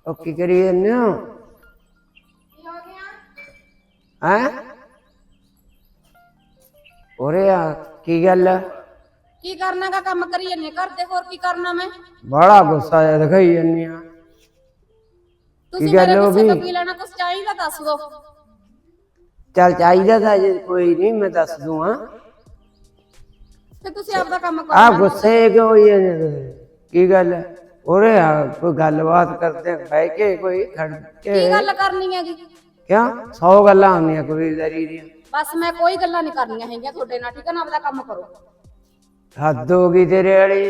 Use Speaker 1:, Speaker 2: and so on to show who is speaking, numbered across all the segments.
Speaker 1: ਉਹ ਕੀ ਕਰੀ ਜਾਂਦੇ ਹੋ? ਹੈਂ? ਉਰੇ ਆ, ਕੀ ਗੱਲ ਆ?
Speaker 2: ਕੀ ਕਰਨਾ ਗਾ? ਕੰਮ ਕਰੀ ਜਾਂਦੇ ਘਰ ਦੇ, ਹੋਰ ਕੀ ਕਰਨਾ ਮੈਂ?
Speaker 1: ਬੜਾ ਗੁੱਸਾ ਜਿਹਾ ਦਿਖਾਈ ਜਾਂਦੀ ਆ।
Speaker 2: ਤੁਸੀਂ ਮੇਰੇ ਗੁੱਸੇ ਤੋਂ ਕੀ ਲੈਣਾ? ਕੁਛ ਚਾਹੀਦਾ ਦੱਸ ਦੋ।
Speaker 1: ਚੱਲ ਚਾਹੀਦਾ ਤਾਂ ਜੇ ਕੋਈ ਨਹੀਂ, ਮੈਂ ਦੱਸ ਦੂੰਗਾ।
Speaker 2: ਤੇ ਤੁਸੀਂ ਆਪਦਾ ਕੰਮ ਕਰੋ।
Speaker 1: ਆ ਗੁੱਸੇ ਕਿਉਂ ਹੋਈ ਜਾਂਦੇ ਤੁਸੀਂ? ਕੀ ਗੱਲ ਹੈ? ਉਰੇ ਆ, ਕੋਈ ਗੱਲਬਾਤ ਕਰਦੇ ਬਹਿ ਕੇ, ਕੋਈ ਖੜ ਕੇ।
Speaker 2: ਕੀ ਗੱਲ ਕਰਨੀ ਹੈਗੀ?
Speaker 1: ਕਿਉਂ? 100 ਗੱਲਾਂ ਹੁੰਦੀਆਂ ਕਬੀਲਦਾਰੀ ਦੀਆਂ।
Speaker 2: ਬਸ ਮੈਂ ਕੋਈ ਗੱਲਾਂ ਨਹੀਂ ਕਰਨੀਆਂ ਹੈਗੀਆਂ ਤੁਹਾਡੇ ਨਾਲ, ਠੀਕ ਹੈ ਨਾ? ਆਪਦਾ ਕੰਮ ਕਰੋ।
Speaker 1: ਹੱਦ ਹੋ ਗਈ ਤੇਰੇ ਵਾਲੀ।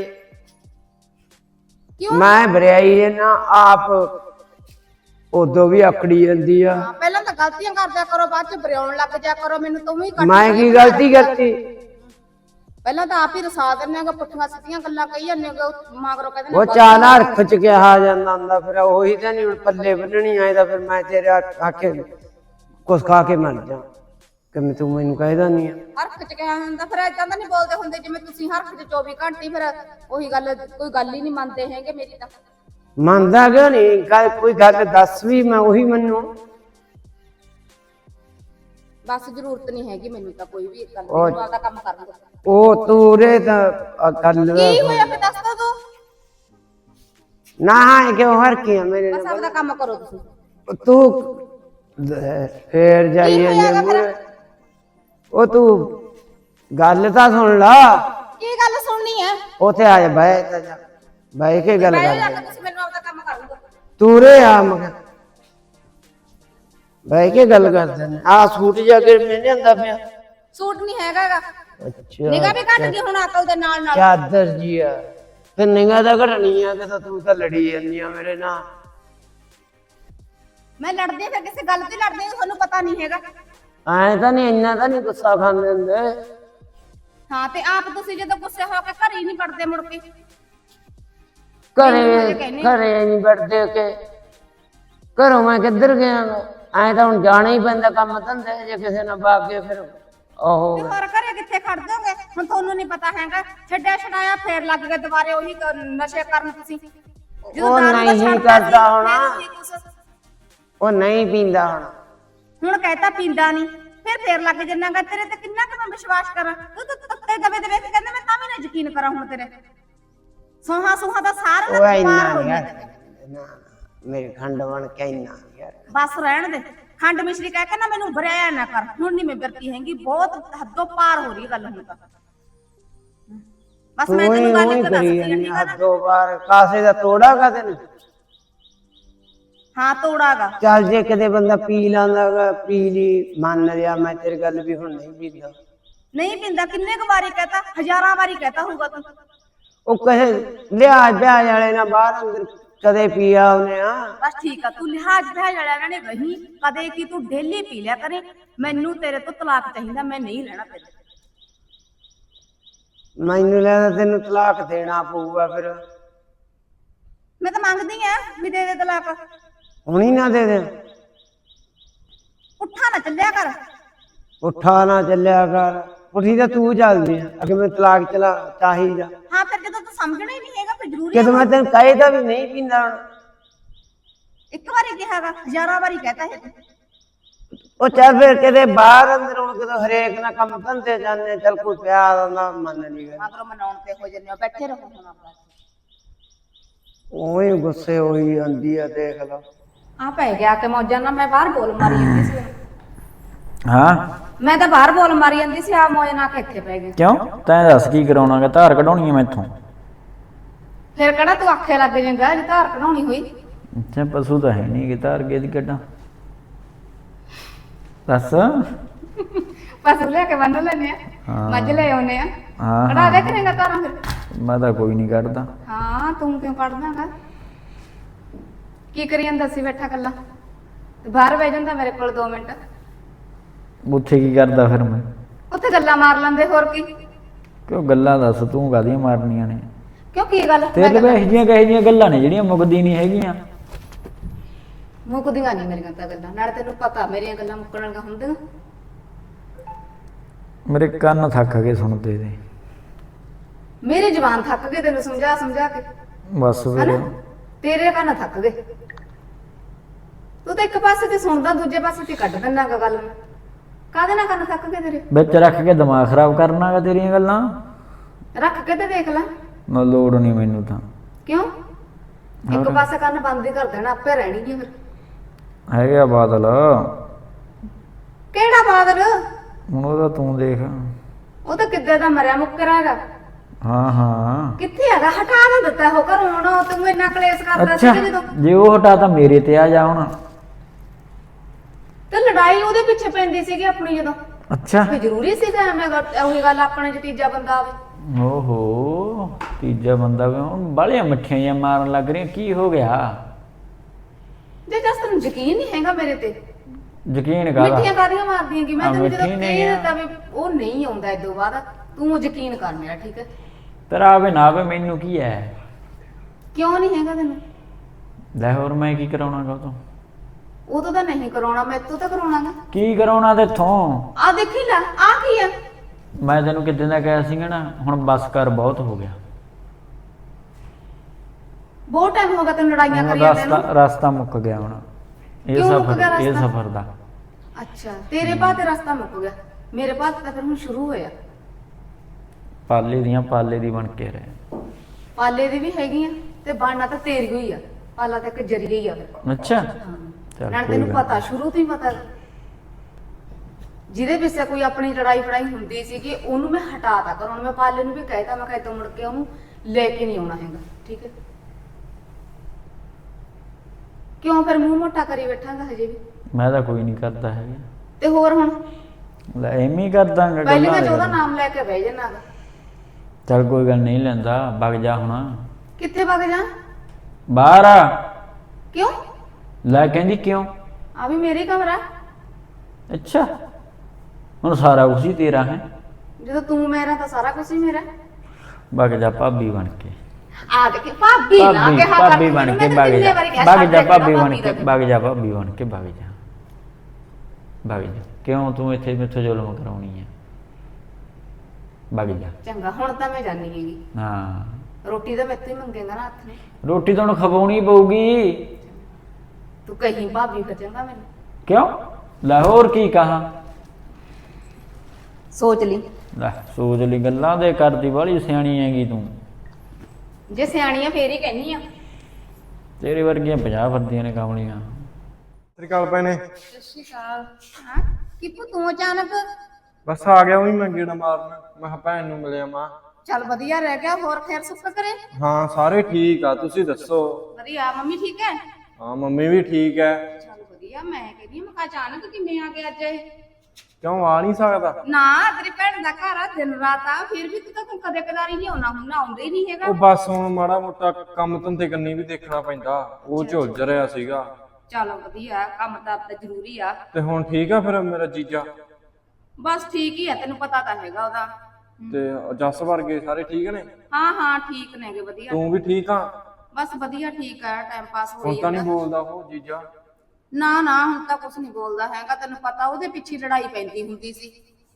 Speaker 2: ਕਿਉਂ?
Speaker 1: ਮੈਂ ਬਰਿਆਈ ਹੈ ਨਾ ਆਪ, ਉਦੋਂ ਵੀ ਆਕੜੀ ਜਾਂਦੀ ਆ।
Speaker 2: ਪਹਿਲਾਂ ਤਾਂ ਗਲਤੀਆਂ ਕਰਦਿਆ ਕਰੋ, ਬਾਅਦ ਚ ਬਰਿਆਉਣ ਲੱਗ ਜਾ ਕਰੋ ਮੈਨੂੰ। ਤੂੰ ਵੀ
Speaker 1: ਮੈਂ ਕੀ ਗਲਤੀ ਕਰਤੀ?
Speaker 2: ਪਹਿਲਾਂ ਤਾਂ ਆਪ ਹੀ ਰਸਾ ਦਿੰਦੇ ਆ, ਪੁੱਠੀਆਂ ਸਿੱਧੀਆਂ ਗੱਲਾਂ ਕਹੀ ਜਾਂਦੇ ਹੋ। ਮਗਰੋਂ ਕਹਿੰਦੇ
Speaker 1: ਉਹ ਚਾਲਾ ਰੱਖ ਚ ਕਿਹਾ ਜਾਂਦਾ ਹੁੰਦਾ, ਫਿਰ ਉਹੀ ਤਾਂ ਨਹੀਂ ਹੁਣ ਪੱਲੇ ਬੰਨਣੀ ਆਏ ਤਾਂ ਫਿਰ ਮੈਂ ਤੇਰੇ ਆਖੇ ਕੁਛ ਖਾ ਕੇ ਮਰ ਜਾ ਕਿ ਤੂੰ ਮੈਨੂੰ ਕਹਿਦਾ ਨਹੀਂ ਆ।
Speaker 2: ਹਰਖ ਚ ਕਿਹਾ ਹੁੰਦਾ, ਫਿਰ ਏਦਾਂ ਤਾਂ ਨਹੀਂ ਬੋਲਦੇ ਹੁੰਦੇ ਜਿਵੇਂ ਤੁਸੀਂ ਹਰਖ ਚ 24 ਘੰਟੇ। ਫਿਰ ਉਹੀ ਗੱਲ, ਕੋਈ ਗੱਲ ਹੀ ਨਹੀਂ ਮੰਨਦੇ ਹੈਗੇ ਮੇਰੀ ਤਾਂ।
Speaker 1: ਮੰਨਦਾ ਕਿਉਂ ਨਹੀਂ? ਕੋਈ ਗੱਲ ਦੱਸ ਵੀ ਮੈਂ ਉਹੀ ਮੰਨੂ।
Speaker 2: ਬਸ ਜ਼ਰੂਰਤ ਨਹੀਂ ਹੈਗੀ ਮੈਨੂੰ ਤਾਂ ਕੋਈ ਵੀ ਗੱਲ, ਮੈਨੂੰ ਆਪਦਾ ਕੰਮ ਕਰਨ ਦੋ।
Speaker 1: ਉਹ ਤੂਰੇ ਤਾਂ ਗੱਲ
Speaker 2: ਕੀ ਹੋਇਆ ਫਿਰ ਦੱਸ ਦੋ ਤੂੰ।
Speaker 1: ਨਾ ਕਿਉਂ ਹਰਕੀ ਆ ਮੇਰੇ
Speaker 2: ਬਸ ਆਪਦਾ ਕੰਮ ਕਰੋ ਤੁਸੀਂ।
Speaker 1: ਤੂੰ ਫੇਰ ਜਾਈਏ ਉਹ ਤੂੰ ਗੱਲ ਤਾਂ ਸੁਣ ਲਾ।
Speaker 2: ਕੀ ਗੱਲ ਸੁਣਨੀ ਹੈ?
Speaker 1: ਉੱਥੇ ਆ ਜਾ, ਬਹਿ ਤਾਂ ਜਾ, ਬਹਿ ਕੇ ਗੱਲ ਕਰ।
Speaker 2: ਤੁਸੀਂ ਮੈਨੂੰ ਆਪਦਾ ਕੰਮ ਕਰਨ ਦੋ।
Speaker 1: ਤੂਰੇ ਆ ਮਗਰ ਬਹਿ ਕੇ ਗੱਲ ਕਰਦੇ ਨੇ। ਆ ਸੂਟ ਜਾ ਕੇ ਮੈਂ ਲਿਆਂਦਾ ਪਿਆ।
Speaker 2: ਸੂਟ ਨਹੀਂ ਹੈਗਾਗਾ।
Speaker 1: ਅੱਛਾ,
Speaker 2: ਨਿਗਾਹ ਵੀ ਘਟ ਗਈ ਹੁਣ ਅਕਲ ਦੇ ਨਾਲ ਨਾਲ।
Speaker 1: ਚਾਦਰ ਜੀ ਆ, ਫਿਰ ਨਿਗਾਹ ਤਾਂ ਘਟਣੀ ਆ ਕਿ ਤੂੰ ਤਾਂ ਲੜੀ ਜਾਂਦੀ ਆ ਮੇਰੇ ਨਾਲ।
Speaker 2: ਮੈਂ ਲੜਦੀ ਫਿਰ ਕਿਸੇ ਗੱਲ ਤੇ ਲੜਦੀ, ਤੁਹਾਨੂੰ ਪਤਾ ਨਹੀਂ ਹੈਗਾ।
Speaker 1: ਐ ਤਾਂ ਨਹੀਂ, ਇੰਨਾ ਤਾਂ ਨਹੀਂ ਗੁੱਸਾ ਖਾਂਦੇ ਹੁੰਦੇ।
Speaker 2: ਹਾਂ ਤੇ ਆਪ ਤੁਸੀਂ ਜਦੋਂ ਗੁੱਸੇ ਹੋ ਕੇ ਘਰ ਹੀ ਨਹੀਂ ਵੜਦੇ ਮੁੜ ਕੇ।
Speaker 1: ਘਰੇ ਨਹੀਂ ਵੜਦੇ ਕੇ ਘਰੋਂ ਮੈਂ ਕਿੱਧਰ ਗਿਆ? ਐ ਤਾਂ ਹੁਣ ਜਾਣਾ ਹੀ ਪੈਂਦਾ ਕੰਮ ਧੰਦੇ, ਜੇ ਕਿਸੇ ਨਾਲ ਬਾਗ ਗਏ ਫਿਰ ਉਹ।
Speaker 2: ਹੋਰ ਘਰੇ ਕਿੱਥੇ ਖੜ ਦੋਗੇ? ਹੁਣ ਤੁਹਾਨੂੰ ਨਹੀਂ ਪਤਾ ਹੈਗਾ। ਛੱਡਿਆ ਛਡਾਇਆ ਫੇਰ ਲੱਗ ਗਏ ਦੁਬਾਰੇ ਉਹੀ ਨਸ਼ੇ ਕਰਨ ਤੁਸੀਂ।
Speaker 1: ਉਹ ਨਹੀਂ ਕਰਦਾ ਹੋਣਾ, ਉਹ ਨਹੀਂ ਪੀਂਦਾ ਹੋਣਾ।
Speaker 2: ਹੁਣ ਕਹਿਤਾ ਪੀਂਦਾ ਨਹੀਂ, ਫੇਰ ਲੱਗ ਜੰਨਾਗਾ ਤੇਰੇ ਤੇ। ਕਿੰਨਾ ਕੁ ਮੈਂ ਵਿਸ਼ਵਾਸ ਕਰਾਂ? ਤੂੰ ਤਾਂ ਤੱਤੇ ਦਵੇ ਦੇ ਵੇਖ ਕਹਿੰਦਾ ਮੈਂ ਤਾਂ ਵੀ ਨਾ ਯਕੀਨ ਕਰਾਂ ਹੁਣ ਤੇਰੇ। ਸੋਹਾ ਦਾ ਸਾਰਾ
Speaker 1: ਉਹ ਇੰਨਾ ਨਹੀਂ ਯਾਰ, ਮੇਰੇ ਖੰਡ ਬਣ ਕੇ ਇੰਨਾ ਯਾਰ।
Speaker 2: ਬਸ ਰਹਿਣ ਦੇ। ਖੰਡ ਮਿਸ਼ਰੀ ਕਹਿ ਕੇ ਨਾ ਮੈਨੂੰ ਬਰਿਆਇਆ ਨਾ ਕਰ। ਹੁਣ ਨਹੀਂ ਮੈਂ ਵਰਤੀ ਹੈਗੀ, ਬਹੁਤ ਹੱਦੋਂ ਪਾਰ ਹੋ ਰਹੀ ਗੱਲ ਹੁਣ ਤਾਂ। ਬਸ ਮੈਂ ਤੈਨੂੰ ਗੱਲ ਇੱਕ ਦੱਸਦੀ ਹਾਂ, ਠੀਕ ਹੈ ਨਾ?
Speaker 1: ਹੱਦੋਂ ਪਾਰ ਕਾਸੇ ਦਾ ਤੋੜਾ ਕਾ ਤੈਨੂੰ?
Speaker 2: ਹਾਂ ਤੋੜਾਗਾ।
Speaker 1: ਚੱਲ ਜੇ ਕਦੇ ਬੰਦਾ ਪੀ ਲਾਂਦਾ, ਪੀ ਲਈ, ਮੰਨ ਲਿਆ ਮੈਂ ਤੇਰੀ ਗੱਲ ਵੀ। ਹੁਣ ਨਹੀਂ ਪੀਂਦਾ।
Speaker 2: ਨਹੀਂ ਪੀਂਦਾ? ਕਿੰਨੇ ਕੁ ਵਾਰੀ ਕਹਤਾ? ਹਜ਼ਾਰਾਂ ਵਾਰੀ ਕਹਤਾ ਹੋਊਗਾ ਤੂੰ।
Speaker 1: ਉਹ ਕਹੇ ਲਿਹਾਜ਼ ਬਿਹਾਜ਼ ਵਾਲੇ ਨਾਲ ਬਾਹਰ ਅੰਦਰ ਕਦੇ ਪੀਆ ਉਹਨੇ ਆ।
Speaker 2: ਬਸ ਠੀਕ ਆ, ਤੂੰ ਲਿਹਾਜ਼ ਬਿਹਾਜ਼ ਵਾਲਿਆਂ ਨੇ ਰਹੀ ਕਦੇ ਕੀ? ਤੂੰ ਡੇਲੀ ਪੀ ਲਿਆ ਕਰੇ। ਮੈਨੂੰ ਤੇਰੇ ਤੋਂ ਤਲਾਕ ਚਾਹੀਦਾ, ਮੈਂ ਨਹੀਂ ਰਹਿਣਾ ਤੇਰੇ।
Speaker 1: ਮੈਨੂੰ ਲੱਗਦਾ ਤੈਨੂੰ ਤਲਾਕ ਦੇਣਾ ਪਊਗਾ ਫਿਰ।
Speaker 2: ਮੈਂ ਤਾਂ ਮੰਗਦੀ ਆ ਵੀ ਦੇ ਦੇ ਤਲਾਕ।
Speaker 1: ਹੁਣੀ ਨਾ ਦੇ ਦੇ।
Speaker 2: ਉੱਠਾ ਨਾ ਚੱਲਿਆ ਕਰ।
Speaker 1: ਉੱਠਾ ਨਾ ਚੱਲਿਆ ਕਰ। ਉੱਠੀ ਤਾਂ ਤੂੰ ਚੱਲਦੀ ਆ ਕਿ ਮੈਂ ਤਲਾਕ ਚਲਾ ਚਾਹੀਦਾ।
Speaker 2: ਹਾਂ ਫਿਰ ਜਦੋਂ ਤੂੰ ਸਮਝਣਾ ਹੀ ਨਹੀਂ ਹੈਗਾ ਫਿਰ ਜ਼ਰੂਰੀ
Speaker 1: ਜਦੋਂ ਮੈਂ ਤੈਨੂੰ ਕਹੇਦਾ ਵੀ ਨਹੀਂ ਪੀਂਦਾ ਹੁਣ। ਇੱਕ
Speaker 2: ਵਾਰੀ ਕਿਹਾਗਾ, ਹਜ਼ਾਰਾਂ ਵਾਰੀ ਕਹਤਾ ਹੈ ਤੂੰ।
Speaker 1: ਉਹ ਚੱਲ ਫਿਰ ਕਿਤੇ ਬਾਹਰ ਅੰਦਰੋਂ ਕਿਤੇ ਹਰੇਕ ਨਾਲ ਕੰਮ ਧੰਦੇ ਜਾਂਦੇ, ਚੱਲ ਕੋਈ ਪਿਆਰ ਆਉਂਦਾ ਮੰਨ ਲਈ।
Speaker 2: ਮਗਰੋਂ ਮਨਾਉਣ ਤੇ ਹੋ ਜੰਨੇ ਹੋ, ਬੈਠੇ ਰਹੋ ਹੁਣ ਆਪਣਾ।
Speaker 1: ਉਹੀ ਗੁੱਸੇ ਹੋਈ ਆਂਦੀ ਆ, ਦੇਖ ਲਾ।
Speaker 2: ਆ ਪੈ ਗਿਆ ਕਿ ਮੌਜਾਂ ਨਾਲ ਮੈਂ ਬਾਹਰ ਬੋਲ ਮਾਰੀ ਜਾਂਦੀ ਸੀ।
Speaker 3: ਹਾਂ
Speaker 2: ਮੈਂ ਤਾਂ ਬਾਹਰ ਬੋਲ ਮਾਰੀ ਜਾਂਦੀ ਸੀ, ਆ ਮੌਜ ਨਾਲ ਇੱਥੇ ਪੈ ਗਏ।
Speaker 3: ਕਿਉਂ? ਤੈਂ ਦੱਸ ਕੀ ਕਰਾਉਣਾਗਾ? ਧਾਰ ਕਢਾਉਣੀ ਆ ਮੈਥੋਂ?
Speaker 2: ਫਿਰ ਕਿਹੜਾ ਤੂੰ ਆਖੇ ਲੱਗ ਜਾਏਗਾ ਜੇ ਧਾਰ ਕਢਾਉਣੀ ਹੋਈ?
Speaker 3: ਅੱਛਾ, ਪਸ਼ੂ ਤਾਂ ਹੈ ਨਹੀਂ ਕਿ ਧਾਰ ਕਿਹਦੀ ਕੱਢਾਂ? ਦੱਸ।
Speaker 2: ਪਸ਼ੂ ਲੈ ਕੇ ਬੰਨ ਲੈਨੇ ਆ, ਮੱਝ ਲੈ ਆਉਨੇ ਆ।
Speaker 3: ਹਾਂ
Speaker 2: ਕਢਾ ਦੇ ਕਰੇਗਾ ਧਾਰਾਂ ਫਿਰ?
Speaker 3: ਮੈਂ ਤਾਂ ਕੋਈ ਨਹੀਂ ਕੱਢਦਾ।
Speaker 2: ਹਾਂ ਤੂੰ ਕਿਉਂ ਕੱਢਦਾਗਾ? ਕੀ ਕਰੀ ਜਾਂਦਾ ਸੀ ਬੈਠਾ ਕੱਲਾ? ਬਾਹਰ ਬਹਿ ਜਾਂਦਾ ਮੇਰੇ ਕੋਲ 2 ਮਿੰਟ।
Speaker 3: ਉੱਥੇ ਕੀ ਕਰਦਾ ਫਿਰ ਮੈਂ?
Speaker 2: ਉੱਥੇ ਗੱਲਾਂ ਮਾਰ ਲੈਂਦੇ, ਹੋਰ ਕੀ।
Speaker 3: ਕਿਉਂ ਗੱਲਾਂ ਦੱਸ, ਤੂੰ ਕਾਹਦੀਆਂ ਮਾਰਨੀਆਂ ਨੇ?
Speaker 2: ਕਿਉਂ ਕੀ ਗੱਲ?
Speaker 3: ਤੇਰੇ ਲਈ ਇਹੋ ਜਿਹੀਆਂ ਗੱਲਾਂ ਨੇ ਜਿਹੜੀਆਂ ਮੁੱਕਦੀ ਨਹੀਂ ਹੈਗੀਆਂ।
Speaker 2: ਮੁੱਕਦੀਆਂ ਨਹੀਂ ਮੇਰੀਆਂ ਤਾਂ ਗੱਲਾਂ, ਨਾਲੇ ਤੈਨੂੰ ਪਤਾ ਮੇਰੀਆਂ ਗੱਲਾਂ ਮੁੱਕਣ ਵਾਲੀਆਂ ਹੁੰਦੀਆਂ।
Speaker 3: ਮੇਰੇ ਕੰਨ ਥੱਕ ਗਏ ਸੁਣਦੇ ਦੇ।
Speaker 2: ਮੇਰੀ ਜ਼ੁਬਾਨ ਥੱਕ ਗਈ ਤੈਨੂੰ ਸਮਝਾ ਸਮਝਾ ਕੇ।
Speaker 3: ਬਸ ਫਿਰ
Speaker 2: ਤੇਰੇ ਕੰਨ ਥੱਕ ਗਏ। ਤੂੰ ਤਾਂ ਇੱਕ ਪਾਸੇ ਤੇ ਸੁਣਦਾ ਦੂਜੇ ਪਾਸੇ ਤੇ ਕੱਢ ਦਿੰਦਾ ਗਾ ਗੱਲ ਨੂੰ। ਕਾਹਦੇ ਨਾਲ ਕੰਨ ਥੱਕ ਗਏ ਤੇਰੇ?
Speaker 3: ਵਿੱਚ ਰੱਖ ਕੇ ਦਿਮਾਗ ਖਰਾਬ ਕਰਨਾਗਾ ਤੇਰੀਆਂ ਗੱਲਾਂ।
Speaker 2: ਰੱਖ ਕੇ ਤੇ ਦੇਖ ਲੈ।
Speaker 3: ਨਾ ਲੋੜ ਨਹੀਂ ਮੈਨੂੰ ਤਾਂ।
Speaker 2: ਕਿਉਂ? ਇੱਕ ਪਾਸੇ ਕੰਨ ਬੰਦ ਹੀ ਕਰ ਦੇਣਾ, ਆਪੇ ਰਹਿਣਗੀਆਂ ਫਿਰ।
Speaker 3: ਹੈਗਾ ਬਾਦਲ।
Speaker 2: ਕਿਹੜਾ ਬਾਦਲ?
Speaker 3: ਹੁਣ ਉਹਦਾ ਤੂੰ ਦੇਖ।
Speaker 2: ਉਹ ਤਾਂ ਕਿੱਦੇ ਦਾ ਮਰਿਆ ਮੁੱਕਰਾ ਹੈਗਾ।
Speaker 3: ਹਾਂ ਹਾਂ
Speaker 2: ਕਿੱਥੇ ਹੈਗਾ? ਹਟਾ ਨਾ ਦਿੱਤਾ ਹੋ ਘਰੋਂ। ਹੁਣ ਤੂੰ ਇੰਨਾ ਕਲੇਸ਼ ਕਰਦਾ
Speaker 3: ਅੱਛਾ
Speaker 2: ਸੀ ਜਦੋਂ।
Speaker 3: ਜੇ ਉਹ ਹਟਾ ਤਾਂ ਮੇਰੇ ਤੇ ਆ ਜਾ ਹੁਣ।
Speaker 2: ਤੇ ਲੜਾਈ ਉਹਦੇ ਪਿੱਛੇ ਪੈਂਦੀ ਸੀਗੀ ਆਪਣੀ ਜਦੋਂ।
Speaker 3: ਅੱਛਾ
Speaker 2: ਵੀ ਜ਼ਰੂਰੀ ਸੀਗਾ ਐਵੇਂ ਉਹੀ ਗੱਲ ਆਪਣੇ ਚ ਤੀਜਾ ਬੰਦਾ ਆਵੇ।
Speaker 3: ਓਹੋ ਤੀਜਾ ਬੰਦਾ ਵੀ ਹੁਣ ਬਾਹਲੀਆਂ ਮਿੱਠੀਆਂ ਜਿਹੀਆਂ ਮਾਰਨ ਲੱਗ ਰਹੀਆਂ, ਕੀ ਹੋ ਗਿਆ?
Speaker 2: ਜੇ ਜਸ ਤੈਨੂੰ ਯਕੀਨ ਨਹੀਂ ਹੈਗਾ ਮੇਰੇ ਤੇ,
Speaker 3: ਯਕੀਨ ਕਾਹਦਾ?
Speaker 2: ਮਿੱਠੀਆਂ ਕਾਹਦੀਆਂ ਮਾਰਦੀਆਂ ਕਿ ਮੈਂ ਤੈਨੂੰ ਜਦੋਂ
Speaker 3: ਮਿੱਠੀ ਨਹੀਂ
Speaker 2: ਕਹਿ
Speaker 3: ਆ।
Speaker 2: ਦਿੱਤਾ ਵੀ ਉਹ ਨਹੀਂ ਆਉਂਦਾ ਇਦੋਂ ਬਾਅਦ, ਤੂੰ ਯਕੀਨ ਕਰ ਮੇਰਾ, ਠੀਕ ਹੈ?
Speaker 3: ਤੇਰਾ ਆਵੇ ਨਾ ਆਵੇ ਮੈਨੂੰ ਕੀ ਹੈ?
Speaker 2: ਕਿਉਂ ਨਹੀਂ ਹੈਗਾ ਤੈਨੂੰ?
Speaker 3: ਲੈ ਹੋਰ ਮੈਂ ਕੀ ਕਰਾਉਣਾਗਾ ਉਹ ਤੋਂ?
Speaker 2: ਉਦੋਂ ਤਾਂ ਨਹੀਂ ਕਰਾਉਣਾ, ਮੈਂ ਤੂੰ ਤਾਂ ਕਰਾਉਣਾਗਾ।
Speaker 3: ਕੀ ਕਰਾਉਣਾ ਤੇਥੋਂ?
Speaker 2: ਆ ਦੇਖੀ ਲੈ, ਆ ਕੀ ਆ?
Speaker 3: ਮੈਂ ਤੈਨੂੰ ਕਿੱਦਾਂ ਦਾ ਕਿਹਾ ਸੀਗਾ ਨਾ, ਹੁਣ ਬਸ ਕਰ, ਬਹੁਤ ਹੋ ਗਿਆ।
Speaker 2: ਬਹੁਤ ਟਾਈਮ ਹੋ ਗਿਆ ਤੈਨੂੰ ਲੜਾਈਆਂ
Speaker 3: ਹੁਣ
Speaker 2: ਕਰੀਆਂ ਤੈਨੂੰ।
Speaker 3: ਰਸਤਾ ਮੁੱਕ ਗਿਆ ਹੁਣ। ਇਹ
Speaker 2: ਕਿਉਂ ਮੁੱਕ ਗਿਆ
Speaker 3: ਇਹ
Speaker 2: ਰਸਤਾ?
Speaker 3: ਸਫ਼ਰ ਦਾ।
Speaker 2: ਅੱਛਾ, ਤੇਰੇ ਬਾਅਦ ਰਸਤਾ ਮੁੱਕ ਗਿਆ, ਮੇਰੇ ਬਾਅਦ ਤਾਂ ਫਿਰ ਹੁਣ ਸ਼ੁਰੂ ਹੋਇਆ।
Speaker 3: ਪਾਲੇ ਦੀ ਬਣ ਕੇ ਰਹੇ।
Speaker 2: ਪਾਲੇ ਦੀ ਵੀ ਹੈਗੀਆਂ ਤੇ ਬਣਨਾ ਤਾਂ ਤੇਰੀ ਹੋਈ ਆ। ਪਾਲਾ ਤਾਂ ਇੱਕ ਜਰੀਆ ਹੀ ਆ ਫਿਰ।
Speaker 3: ਅੱਛਾ
Speaker 2: ਹਾਂ,
Speaker 3: ਚੱਲ
Speaker 2: ਨਾਲ
Speaker 3: ਕੋਈ
Speaker 2: ਤੈਨੂੰ
Speaker 3: ਗੱਲ
Speaker 2: ਪਤਾ, ਸ਼ੁਰੂ ਤੋਂ ਹੀ ਪਤਾ ਜਿਹਦੇ ਪਿੱਛੇ ਕੋਈ ਆਪਣੀ ਲੜਾਈ ਫੜਾਈ ਹੁੰਦੀ ਸੀ ਕਿ ਉਹਨੂੰ ਮੈਂ ਹਟਾਤਾ ਕਰ। ਹੁਣ ਮੈਂ ਪਾਲੇ ਨੂੰ ਵੀ ਕਹਿਤਾ, ਮੈਂ ਕਿਹਾ ਤੋਂ ਮੁੜ ਕੇ ਉਹਨੂੰ ਲੈ ਕੇ ਨਹੀਂ ਆਉਣਾ ਹੈਗਾ, ਠੀਕ ਹੈ? ਕਿਉਂ ਫਿਰ ਮੂੰਹ ਮੋਟਾ ਕਰੀ ਬੈਠਾਂਗਾ ਹਜੇ ਵੀ?
Speaker 3: ਮੈਂ ਤਾਂ ਕੋਈ ਨਹੀਂ ਕਰਦਾ ਹੈਗਾ।
Speaker 2: ਤੇ ਹੋਰ ਹੁਣ
Speaker 3: ਲੈ ਐਵੇਂ ਹੀ ਕਰਦਾਂਗਾ
Speaker 2: ਪਹਿਲੇ ਮੈਂ
Speaker 3: ਗੱਲਾਂ।
Speaker 2: ਉਹਦਾ ਨਾਮ ਲੈ ਕੇ ਬਹਿ ਜਾਣਾਗਾ।
Speaker 3: ਚੱਲ ਕੋਈ ਗੱਲ ਨਹੀਂ ਲੈਂਦਾ, ਵਗ ਜਾ ਹੁਣ
Speaker 2: ਕਿੱਥੇ ਵਗ ਜਾ?
Speaker 3: ਬਾਹਰ ਆ।
Speaker 2: ਕਿਉਂ?
Speaker 3: ਲੈ ਕਹਿੰਦੀ ਕਿਉਂ?
Speaker 2: ਆ ਵੀ ਮੇਰੇ ਕਮਰਾ।
Speaker 3: ਅੱਛਾ ਹੁਣ ਸਾਰਾ ਕੁਝ ਹੀ ਤੇਰਾ ਹੈ।
Speaker 2: ਜਦੋਂ ਤੂੰ ਮੇਰਾ ਤਾਂ ਸਾਰਾ ਕੁਝ ਹੀ ਮੇਰਾ।
Speaker 3: ਵਗ ਜਾ ਭਾਬੀ ਬਣ ਕੇ।
Speaker 2: ਆ ਦੇਖ ਭਾਬੀ ਨਾ ਕੇ ਹੱਥ
Speaker 3: ਭਾਬੀ ਬਣ ਕੇ ਵਗ ਜਾ, ਵਗ ਜਾ ਭਾਬੀ ਬਣ ਕੇ, ਵਗ ਜਾ ਭਾਬੀ ਬਣ ਕੇ, ਵਗ ਜਾ ਵਗ ਜਾ। ਕਿਉਂ ਤੂੰ ਇੱਥੇ ਮੈਥੋਂ ਜ਼ੁਲਮ ਕਰਾਉਣੀ ਹੈ? ਵਗ ਜਾ।
Speaker 2: ਚੰਗਾ, ਹੁਣ ਤਾਂ ਮੈਂ ਜਾਣੀ ਹੈਗੀ।
Speaker 3: ਹਾਂ
Speaker 2: ਰੋਟੀ ਤਾਂ ਮੈਥੋਂ ਹੀ ਮੰਗੇਗਾ ਨਾ ਹੱਥ ਨੇ।
Speaker 3: ਰੋਟੀ ਤਾਂ ਹੁਣ ਖਵਾਉਣੀ ਪਊਗੀ।
Speaker 2: ਤੂੰ ਕਹੀਂ ਭਾਬੀ ਫਿਰ ਚੰਗਾ ਮੈਨੂੰ।
Speaker 3: ਕਿਉਂ? ਲੈ ਹੋਰ ਕੀ ਕਹਾ?
Speaker 2: ਸੋਚ ਲਈ।
Speaker 3: ਲੈ ਸੋਚ ਲਈ, ਗੱਲਾਂ ਦੇ ਕਰਦੀ ਬਾਹਲੀ ਸਿਆਣੀ ਹੈਗੀ ਤੂੰ।
Speaker 2: ਜੇ ਸਿਆਣੀ ਆ ਫੇਰ ਹੀ ਕਹਿਨੀ ਆ।
Speaker 3: ਤੇਰੇ ਵਰਗੀਆਂ 50 ਫਿਰਦੀਆਂ ਨੇ ਕਾਮਲੀਆਂ।
Speaker 4: ਸਤਿ ਸ਼੍ਰੀ ਅਕਾਲ ਭੈਣੇ।
Speaker 2: ਸਤਿ ਸ਼੍ਰੀ ਅਕਾਲ। ਹਾਂ ਕਿਪੂ ਤੂੰ ਅਚਾਨਕ?
Speaker 4: ਬਸ ਆ ਗਿਆ ਉਹੀ ਮੈਂ ਗੇੜਾ ਮਾਰਨ। ਮੈਂ ਕਿਹਾ ਭੈਣ ਨੂੰ ਮਿਲਿਆ ਮਾਂ।
Speaker 2: ਚੱਲ ਵਧੀਆ ਰਹਿ ਗਿਆ। ਹੋਰ ਖੈਰ ਸੁੱਖ ਕਰੇ?
Speaker 4: ਹਾਂ ਸਾਰੇ ਠੀਕ ਆ, ਤੁਸੀਂ ਦੱਸੋ?
Speaker 2: ਵਧੀਆ। ਮੰਮੀ ਠੀਕ ਹੈ?
Speaker 4: ਹਾਂ ਮੰਮੀ ਵੀ ਠੀਕ ਹੈ।
Speaker 2: ਚੱਲ ਵਧੀਆ। ਮੈਂ ਕਹਿੰਦੀ ਮੈਂ ਅਚਾਨਕ ਕਿਵੇਂ ਆ ਗਿਆ ਅੱਜ ਇਹ?
Speaker 4: ਕਿਉਂ ਆ ਨਹੀਂ ਸਕਦਾ?
Speaker 2: ਨਾ ਤੇਰੀ ਭੈਣ ਦਾ ਘਰ ਆ, ਦਿਨ ਰਾਤ ਆ, ਫਿਰ ਵੀ ਤੂੰ ਤਾਂ ਕਦੇ ਕਦਾਰੀ ਨਹੀਂ ਆਉਣਾ ਹੁੰਦਾ, ਆਉਂਦਾ ਹੀ ਨਹੀਂ ਹੈਗਾ।
Speaker 4: ਉਹ ਬਸ ਹੁਣ ਮਾੜਾ ਮੋਟਾ ਕੰਮ ਧੰਦੇ ਕੰਨੀ ਵੀ ਦੇਖਣਾ ਪੈਂਦਾ, ਉਹ ਝੁਲਜ ਰਿਹਾ ਸੀਗਾ।
Speaker 2: ਚੱਲ ਵਧੀਆ, ਕੰਮ ਤਾਂ ਆਪਦਾ ਜ਼ਰੂਰੀ ਆ।
Speaker 4: ਤੇ ਹੁਣ ਠੀਕ ਆ ਫਿਰ ਮੇਰਾ ਜੀਜਾ?
Speaker 2: ਬਸ ਠੀਕ ਹੀ ਆ, ਤੈਨੂੰ ਪਤਾ ਤਾਂ ਹੈਗਾ ਉਹਦਾ।
Speaker 4: ਤੇ ਜੱਸ ਵਰਗੇ ਸਾਰੇ ਠੀਕ ਨੇ?
Speaker 2: ਹਾਂ ਹਾਂ ਠੀਕ ਨੇਗੇ, ਵਧੀਆ।
Speaker 4: ਤੂੰ ਵੀ ਠੀਕ ਆ?
Speaker 2: ਬਸ ਵਧੀਆ ਠੀਕ ਆ, ਟਾਈਮ ਪਾਸ ਹੋ
Speaker 4: ਹੁਣ ਤਾਂ ਨਹੀਂ
Speaker 2: ਜਾਂਦਾ।
Speaker 4: ਬੋਲਦਾ ਉਹ ਜੀਜਾ?
Speaker 2: ਨਾ ਨਾ ਹੁਣ ਤਾਂ ਕੁਝ ਨਹੀਂ ਬੋਲਦਾ ਹੈਗਾ। ਤੈਨੂੰ ਪਤਾ ਉਹਦੇ ਪਿੱਛੇ ਲੜਾਈ ਪੈਂਦੀ ਹੁੰਦੀ ਸੀ,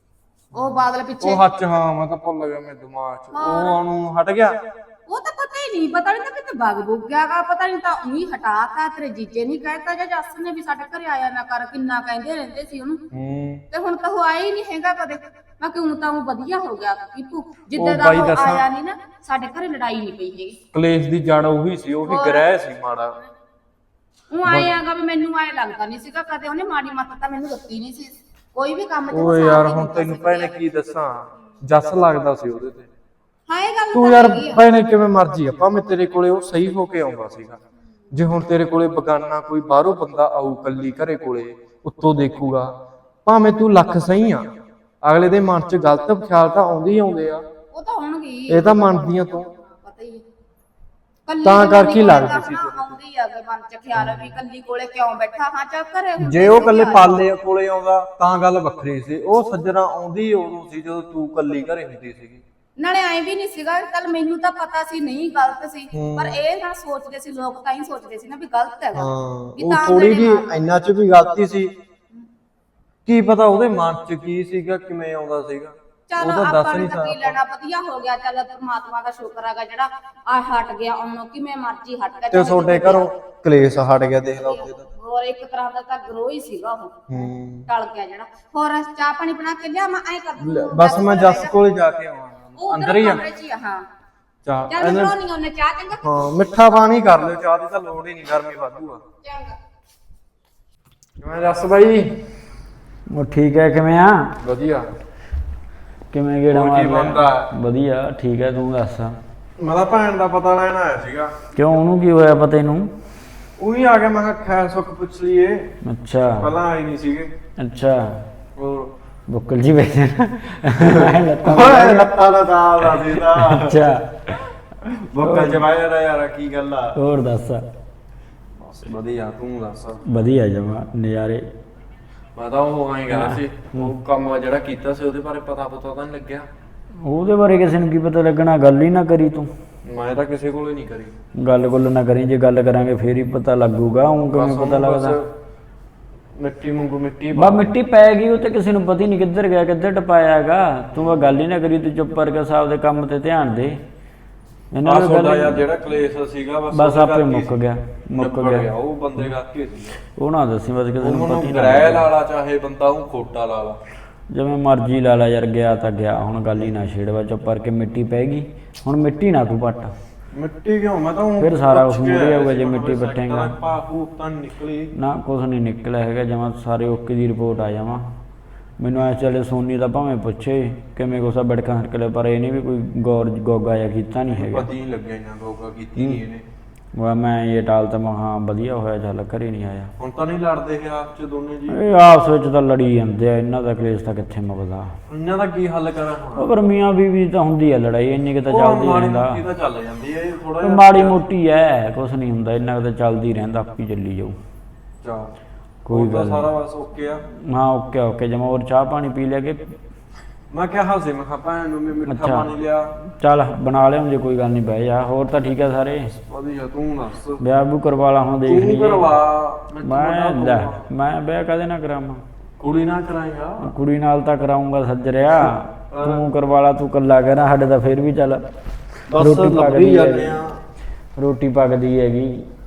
Speaker 2: ਉਹ ਬਾਦਲ ਪਿੱਛੇ।
Speaker 4: ਉਹ ਹੱਥ, ਹਾਂ ਮੈਂ ਤਾਂ ਭੁੱਲ ਗਿਆ ਮੇਰੇ ਦਿਮਾਗ 'ਚ। ਉਹ ਉਹਨੂੰ ਹਟ ਗਿਆ?
Speaker 2: ਉਹ ਤਾਂ ਪਤਾ ਹੀ ਨਹੀਂ, ਪਤਾ ਨਹੀਂ ਤਾਂ ਕਿਤੇ ਬਗ ਬੁੱਗ ਗਿਆਗਾ, ਪਤਾ ਨਹੀਂ ਤਾਂ ਉਹੀ ਹਟਾਤਾ। ਤੇਰੇ ਜੀਜੇ ਨਹੀਂ ਕਹਿਤਾ ਜਾਂ ਜੱਸ ਨੇ ਵੀ ਸਾਡੇ ਘਰੇ ਆਇਆ ਨਾ ਕਰ, ਕਿੰਨਾ ਕਹਿੰਦੇ ਰਹਿੰਦੇ ਸੀ ਉਹਨੂੰ। ਤੇ ਹੁਣ ਤਾਂ ਉਹ ਆਇਆ ਹੀ ਨਹੀਂ ਹੈਗਾ ਕਦੇ। ਮੈਂ ਕਿਉਂ ਤਾਂ ਉਹ ਵਧੀਆ ਹੋ ਗਿਆ ਕੀਪੂ, ਜਿੱਦਾਂ ਦਾ ਉਹ ਆਇਆ ਨਹੀਂ ਨਾ, ਸਾਡੇ ਘਰੇ ਲੜਾਈ ਨਹੀਂ ਪਈ ਹੈਗੀ।
Speaker 4: ਕਲੇਸ਼ ਦੀ ਜੜ ਉਹੀ ਸੀ, ਉਹੀ ਗ੍ਰਹਿ ਸੀ ਮਾੜਾ।
Speaker 2: ਉਹ ਆਏਗਾ ਵੀ ਮੈਨੂੰ ਆਏ ਲੱਗਦਾ ਨਹੀਂ ਸੀਗਾ ਕਦੇ ਉਹਨੇ ਮਾੜੀ ਮੱਤ ਤਾਂ ਮੈਨੂੰ ਦਿੱਤੀ ਨਹੀਂ ਸੀ ਕੋਈ ਵੀ ਕੰਮ ਤੇ।
Speaker 4: ਓਏ ਯਾਰ ਹੁਣ ਤੈਨੂੰ ਭੈਣੇ ਕੀ ਦੱਸਾਂ, ਜੱਸ ਲੱਗਦਾ ਸੀ ਉਹਦੇ ਤੇ।
Speaker 2: ਹਾਂ ਇਹ ਗੱਲ
Speaker 4: ਤੂੰ ਯਾਰ ਭੈਣੇ ਕਿਵੇਂ ਮਰਜੀ ਆ, ਭਾਵੇਂ ਤੇਰੇ ਕੋਲੇ ਉਹ ਸਹੀ ਹੋ ਕੇ ਆਉਂਦਾ ਸੀਗਾ। ਜੇ ਹੁਣ ਤੇਰੇ ਕੋਲੇ ਬਗਾਨਾ ਕੋਈ ਬਾਹਰੋਂ ਬੰਦਾ ਆਊ ਕੱਲੀ ਘਰੇ ਕੋਲੇ, ਉੱਤੋਂ ਦੇਖੂਗਾ, ਭਾਵੇਂ ਤੂੰ ਲੱਖ ਸਹੀ ਆ, ਅਗਲੇ ਦੇ ਮਨ 'ਚ ਗਲਤ ਖਿਆਲ ਤਾਂ ਆਉਂਦੇ ਹੀ ਆਉਂਦੇ ਆ।
Speaker 2: ਉਹ ਤਾਂ ਹੋਣਗੇ,
Speaker 4: ਇਹ ਤਾਂ ਮੰਨਦੀਆਂ ਤੂੰ,
Speaker 2: ਪਤਾ ਹੀ ਹੈ।
Speaker 4: ਤਾਂ ਕਰਕੇ ਲੱਗਦੀ ਸੀ
Speaker 2: ਆਉਂਦੀ ਆ ਕਿ ਮਨ 'ਚ ਖਿਆਲ ਵੀ ਕੱਲੀ ਕੋਲੇ ਕਿਉਂ ਬੈਠਾ। ਹਾਂ ਚੱਲ ਘਰੇ
Speaker 4: ਜੇ ਉਹ ਕੱਲੇ ਪਾਲੇ ਕੋਲੇ ਆਉਂਦਾ ਤਾਂ ਗੱਲ ਵੱਖਰੀ ਸੀ। ਉਹ ਸੱਜਣਾ ਆਉਂਦੀ ਉਦੋਂ ਸੀ ਜਦੋਂ ਤੂੰ ਕੱਲੀ ਘਰੇ ਹੁੰਦੀ ਸੀਗੀ।
Speaker 2: ਨਾਲੇ ਐ ਵੀ ਨਹੀਂ ਸੀਗਾ, ਚੱਲ ਮੈਨੂੰ ਤਾਂ ਪਤਾ ਸੀ ਨਹੀਂ ਗਲਤ ਸੀ, ਪਰ ਇਹ ਨਾ ਸੋਚਦੇ ਸੀ ਲੋਕ, ਤਾਂ ਹੀ ਸੋਚਦੇ ਸੀ ਨਾ ਵੀ ਗਲਤ ਹੈਗਾ।
Speaker 4: ਉਹ ਥੋੜੀ ਜੀ ਇੰਨਾ 'ਚ ਵੀ ਗਲਤੀ ਸੀ, ਕੀ ਪਤਾ ਉਹਦੇ ਮਨ 'ਚ ਕੀ ਸੀਗਾ, ਕਿਵੇਂ ਆਉਂਦਾ ਸੀਗਾ,
Speaker 2: ਚੱਲ
Speaker 4: ਉਹ ਤਾਂ ਦੱਸ
Speaker 2: ਆਪਾਂ
Speaker 4: ਨਹੀਂ
Speaker 2: ਨੂੰ ਤਾਂ ਕੀ
Speaker 4: ਸਕਦਾ।
Speaker 2: ਲੈਣਾ, ਵਧੀਆ ਹੋ ਗਿਆ। ਚੱਲ ਪਰਮਾਤਮਾ ਦਾ ਸ਼ੁਕਰ ਹੈਗਾ ਜਿਹੜਾ ਆ ਹਟ ਗਿਆ, ਆਉਣੋਂ ਕਿਵੇਂ ਮਰਜੀ ਹਟ ਗਿਆ।
Speaker 4: ਤੇ ਤੁਹਾਡੇ ਘਰੋਂ ਕਲੇਸ਼ ਹਟ ਗਿਆ, ਦੇਖ ਲਾ ਉੱਥੇ ਤਾਂ।
Speaker 2: ਹੋਰ ਇੱਕ ਤਰ੍ਹਾਂ ਦਾ ਤਾਂ ਗਰੋ ਹੀ ਸੀਗਾ ਉਹ
Speaker 4: ਹੂੰ
Speaker 2: ਟਲ ਗਿਆ ਜਿਹੜਾ। ਹੋਰ ਚਾਹ ਪਾਣੀ ਬਣਾ ਕੇ ਲਿਆ ਮੈਂ ਐ ਕਰ ਦੂੰ
Speaker 4: ਬਸ ਮੈਂ ਜੱਸ ਕੋਲ ਜਾ ਕੇ ਆਵਾਂ ਅੰਦਰ ਹੀ ਆ
Speaker 2: ਹਾਂ
Speaker 4: ਚਾਹ
Speaker 2: ਚੱਲ
Speaker 4: ਇਹਨੇ-
Speaker 2: ਬਣਾਉਣੀ ਉਹਨੇ ਚਾਹ ਚੰਗਾ
Speaker 4: ਹਾਂ ਮਿੱਠਾ ਪਾਣੀ ਕਰ ਲਿਓ, ਚਾਹ ਦੀ ਤਾਂ ਲੋੜ ਹੀ ਨਹੀਂ, ਗਰਮੀ ਵਾਧੂ ਆ।
Speaker 2: ਚੰਗਾ
Speaker 4: ਮੈਂ ਜੱਸ ਬਾਈ
Speaker 3: ਉਹ ਠੀਕ ਹੈ, ਕਿਵੇਂ ਆ?
Speaker 4: ਵਧੀਆ।
Speaker 3: ਕਿਵੇਂ ਗੇੜਾ
Speaker 4: ਹੋਰ
Speaker 3: ਮਾਰ
Speaker 4: ਕੀ
Speaker 3: ਲਿਆ?
Speaker 4: ਬਣਦਾ?
Speaker 3: ਵਧੀਆ ਠੀਕ ਹੈ, ਤੂੰ ਦੱਸ।
Speaker 4: ਮੈਂ ਤਾਂ ਭੈਣ ਦਾ ਪਤਾ ਲੈਣ ਆਇਆ ਸੀਗਾ।
Speaker 3: ਕਿਉਂ, ਉਹਨੂੰ ਕੀ ਹੋਇਆ ਪਤਾ ਇਹਨੂੰ?
Speaker 4: ਉਹੀ ਆ ਗਿਆ, ਮੈਂ ਕਿਹਾ ਖੈਰ ਸੁੱਖ ਪੁੱਛ ਲਈਏ,
Speaker 3: ਅੱਛਾ
Speaker 4: ਪਹਿਲਾਂ ਆਏ ਨਹੀਂ ਸੀਗੇ।
Speaker 3: ਅੱਛਾ
Speaker 4: ਹੋਰ
Speaker 3: ਬੁੱਕਲ ਜੀ ਬੈਠੇ
Speaker 4: ਓਏ ਲੱਤਾਂ ਦਾ ਦਾਲ ਦਾ ਸੀਦਾ।
Speaker 3: ਅੱਛਾ
Speaker 4: ਬੁੱਕਲ ਚ ਬਾਇਆ ਦਾ ਯਾਰ, ਕੀ ਗੱਲ ਆ?
Speaker 3: ਹੋਰ ਦੱਸ।
Speaker 4: ਬਸ ਵਧੀਆ, ਤੂੰ ਦੱਸ।
Speaker 3: ਵਧੀਆ ਜਮਾ ਨਜ਼ਾਰੇ।
Speaker 4: ਮੈਂ ਤਾਂ ਉਹ ਆਏਗਾ ਸੀ, ਉਹ ਕੰਮ ਜਿਹੜਾ ਕੀਤਾ ਸੀ ਉਹਦੇ ਬਾਰੇ ਪਤਾ ਤਾਂ ਨਹੀਂ ਲੱਗਿਆ।
Speaker 3: ਉਹਦੇ ਬਾਰੇ ਕਿਸੇ ਨੂੰ ਕੀ ਪਤਾ ਲੱਗਣਾ, ਗੱਲ ਹੀ ਨਾ ਕਰੀ ਤੂੰ।
Speaker 4: ਮੈਂ ਤਾਂ ਕਿਸੇ ਕੋਲੇ ਨਹੀਂ ਕਰੀ
Speaker 3: ਗੱਲ ਗੁੱਲ ਨਾ ਕਰੀ, ਜੇ ਗੱਲ ਕਰਾਂਗੇ ਫੇਰ ਹੀ ਪਤਾ ਲੱਗੂਗਾ। ਉਹ ਕਿਵੇਂ ਪਤਾ ਲੱਗਦਾ?
Speaker 4: ਮਿੱਟੀ ਵਾਂਗੂ ਮਿੱਟੀ
Speaker 3: ਬਾ ਮਿੱਟੀ ਪੈ ਗਈ, ਉਹ ਤੇ ਕਿਸੇ ਨੂੰ ਪਤਾ ਹੀ ਨਹੀਂ ਕਿੱਧਰ ਗਿਆ ਕਿੱਧਰ ਟਪਾਇਆ ਹੈਗਾ। ਤੂੰ ਬਾ ਗੱਲ ਹੀ ਨਾ ਕਰੀ, ਤੂੰ ਚੁੱਪ ਕਰਕੇ ਸਾਹਿਬ ਦੇ ਕੰਮ ਤੇ ਧਿਆਨ ਦੇ। ਇਹਨਾਂ ਨੂੰ
Speaker 4: ਗੱਲ ਯਾਰ ਜਿਹੜਾ ਕਲੇਸ਼ ਸੀਗਾ
Speaker 3: ਬਸ ਆਪੇ ਮੁੱਕ ਗਿਆ
Speaker 4: ਉਹ ਬੰਦੇ ਕਰਕੇ ਸੀ।
Speaker 3: ਉਹ ਨਾ ਦੱਸੀ ਬਸ ਕਿਸੇ ਨੂੰ ਪਤਾ ਹੀ ਨਾ
Speaker 4: ਗ੍ਰਹਿ ਲਾਲਾ ਚਾਹੇ ਬੰਦਾ ਉਹ ਖੋਟਾ ਲਾਲਾ,
Speaker 3: ਜਿਵੇਂ ਮਰਜ਼ੀ ਲਾ ਲਾ ਯਾਰ, ਗਿਆ ਤਾਂ ਗਿਆ, ਹੁਣ ਗੱਲ ਹੀ ਨਾ ਛੇੜਵਾ। ਚੁੱਪ ਕਰਕੇ ਮਿੱਟੀ ਪੈ ਗਈ, ਹੁਣ ਮਿੱਟੀ ਨਾ ਤੂੰ ਪੱਟ।
Speaker 4: ਮਿੱਟੀ ਕਿਉਂ? ਮੈਂ ਤਾਂ
Speaker 3: ਫਿਰ ਸਾਰਾ ਕੁਛ ਮੂਹਰੇ ਆਊਗਾ ਜੇ ਮਿੱਟੀ ਪੱਟੇਗਾ।
Speaker 4: ਪਾਪੂ ਤਾਂ ਨਿਕਲੀ
Speaker 3: ਨਾ ਕੁਛ ਨਹੀਂ ਨਿਕਲਿਆ ਹੈਗਾ ਜਮਾ, ਸਾਰੇ ਓਕੇ ਦੀ ਰਿਪੋਰਟ ਆ ਜਾਵਾਂ। ਮੈਨੂੰ ਐ ਚੱਲੇ ਸੋਨੀ ਦਾ ਭਾਵੇਂ ਪੁੱਛੇ ਕਿਵੇਂ ਕੋਸਾ ਬੜਕਾ ਹਰਕਲੇ, ਪਰ ਇਹਨੇ ਵੀ ਕੋਈ ਗੋਗਾ ਜਾਂ ਕੀਤਾ ਨਹੀਂ ਹੈਗਾ।
Speaker 4: ਪਤਾ ਹੀ ਨਹੀਂ ਲੱਗਿਆ ਇਹਨਾਂ ਗੋਗਾ ਕੀਤੀ ਨਹੀਂ ਇਹਨੇ।
Speaker 3: ਮੈਂ ਇਹ ਟਾਲ ਤਾਂ ਮੈਂ ਹਾਂ ਵਧੀਆ ਹੋਇਆ, ਚੱਲ ਘਰੇ ਨਹੀਂ ਆਇਆ।
Speaker 4: ਹੁਣ ਤਾਂ ਨਹੀਂ ਲੜਦੇ ਇਹ ਆਪ ਚ ਦੋਨੇ ਜੀ?
Speaker 3: ਇਹ ਆਪਸ ਵਿੱਚ ਤਾਂ ਲੜੀ ਜਾਂਦੇ ਆ, ਇਹਨਾਂ ਦਾ ਕਲੇਸ਼ ਤਾਂ ਕਿੱਥੇ ਮੁੱਕਦਾ।
Speaker 4: ਇਹਨਾਂ ਦਾ ਕੀ ਹੱਲ ਕਰਾਂ ਹੁਣ?
Speaker 3: ਪਰ ਮੀਆਂ ਬੀਵੀ ਤਾਂ ਹੁੰਦੀ ਆ ਲੜਾਈ, ਇੰਨੀ ਕਿ ਤਾਂ ਚੱਲਦੀ ਰਹਿੰਦਾ।
Speaker 4: ਇਹ ਤਾਂ ਚੱਲ ਜਾਂਦੀ ਹੈ ਥੋੜਾ
Speaker 3: ਮਾੜੀ ਮੋਟੀ ਐ, ਕੁਛ ਨਹੀਂ ਹੁੰਦਾ, ਇੰਨਾ ਕਿ ਤਾਂ ਚੱਲਦੀ ਰਹਿੰਦਾ, ਆਪੀ ਚੱਲੀ ਜਾਊ।
Speaker 4: ਚਾ
Speaker 3: ਕੋਈ ਗੱਲ
Speaker 4: ਸਾਰਾ ਬਸ ਓਕੇ ਆ।
Speaker 3: ਹਾਂ ਓਕੇ ਓਕੇ ਜਮਾ। ਹੋਰ ਚਾਹ ਪਾਣੀ ਪੀ ਲਿਆ ਕਿ?
Speaker 4: ਮੈਂ ਕਿਹਾ ਹਾਸੇ ਮੈਂ ਭੈਣ ਨੂੰ ਮਿੱਠਾ
Speaker 3: ਅੱਛਾ।
Speaker 4: ਪਾਣੀ ਲਿਆ।
Speaker 3: ਚੱਲ ਬਣਾ ਲਿਆ ਜੇ ਕੋਈ ਗੱਲ ਨਹੀਂ, ਬਹਿ ਜਾ। ਹੋਰ ਤਾਂ ਠੀਕ ਆ ਸਾਰੇ?
Speaker 4: ਵਧੀਆ, ਤੂੰ ਦੱਸ।
Speaker 3: ਵਿਆਹ ਵੀ ਕਰਵਾ ਲਾ, ਹੁਣ ਦੇਖ
Speaker 4: ਤੂੰ
Speaker 3: ਲਈਏ।
Speaker 4: ਕਰਵਾ।
Speaker 3: ਮੈਂ ਵਿਆਹ ਕਦੇ ਨਾ ਕਰਾਵਾਂ?
Speaker 4: ਕੁੜੀ ਨਾਲ ਕਰਾਏਗਾ?
Speaker 3: ਕੁੜੀ ਨਾਲ ਤਾਂ ਕਰਾਉਂਗਾ ਸੱਜਰਿਆ, ਤੂੰ ਕਰਵਾ ਲਾ। ਤੂੰ ਕੱਲਾ ਕਹਿਣਾ ਸਾਡੇ ਤਾਂ ਫੇਰ ਵੀ ਚੱਲ ਰੋਟੀ ਪੱਕਦੀ
Speaker 4: ਜਾਂਦੇ ਆ।
Speaker 3: ਰੋਟੀ ਪੱਕਦੀ ਹੈਗੀ।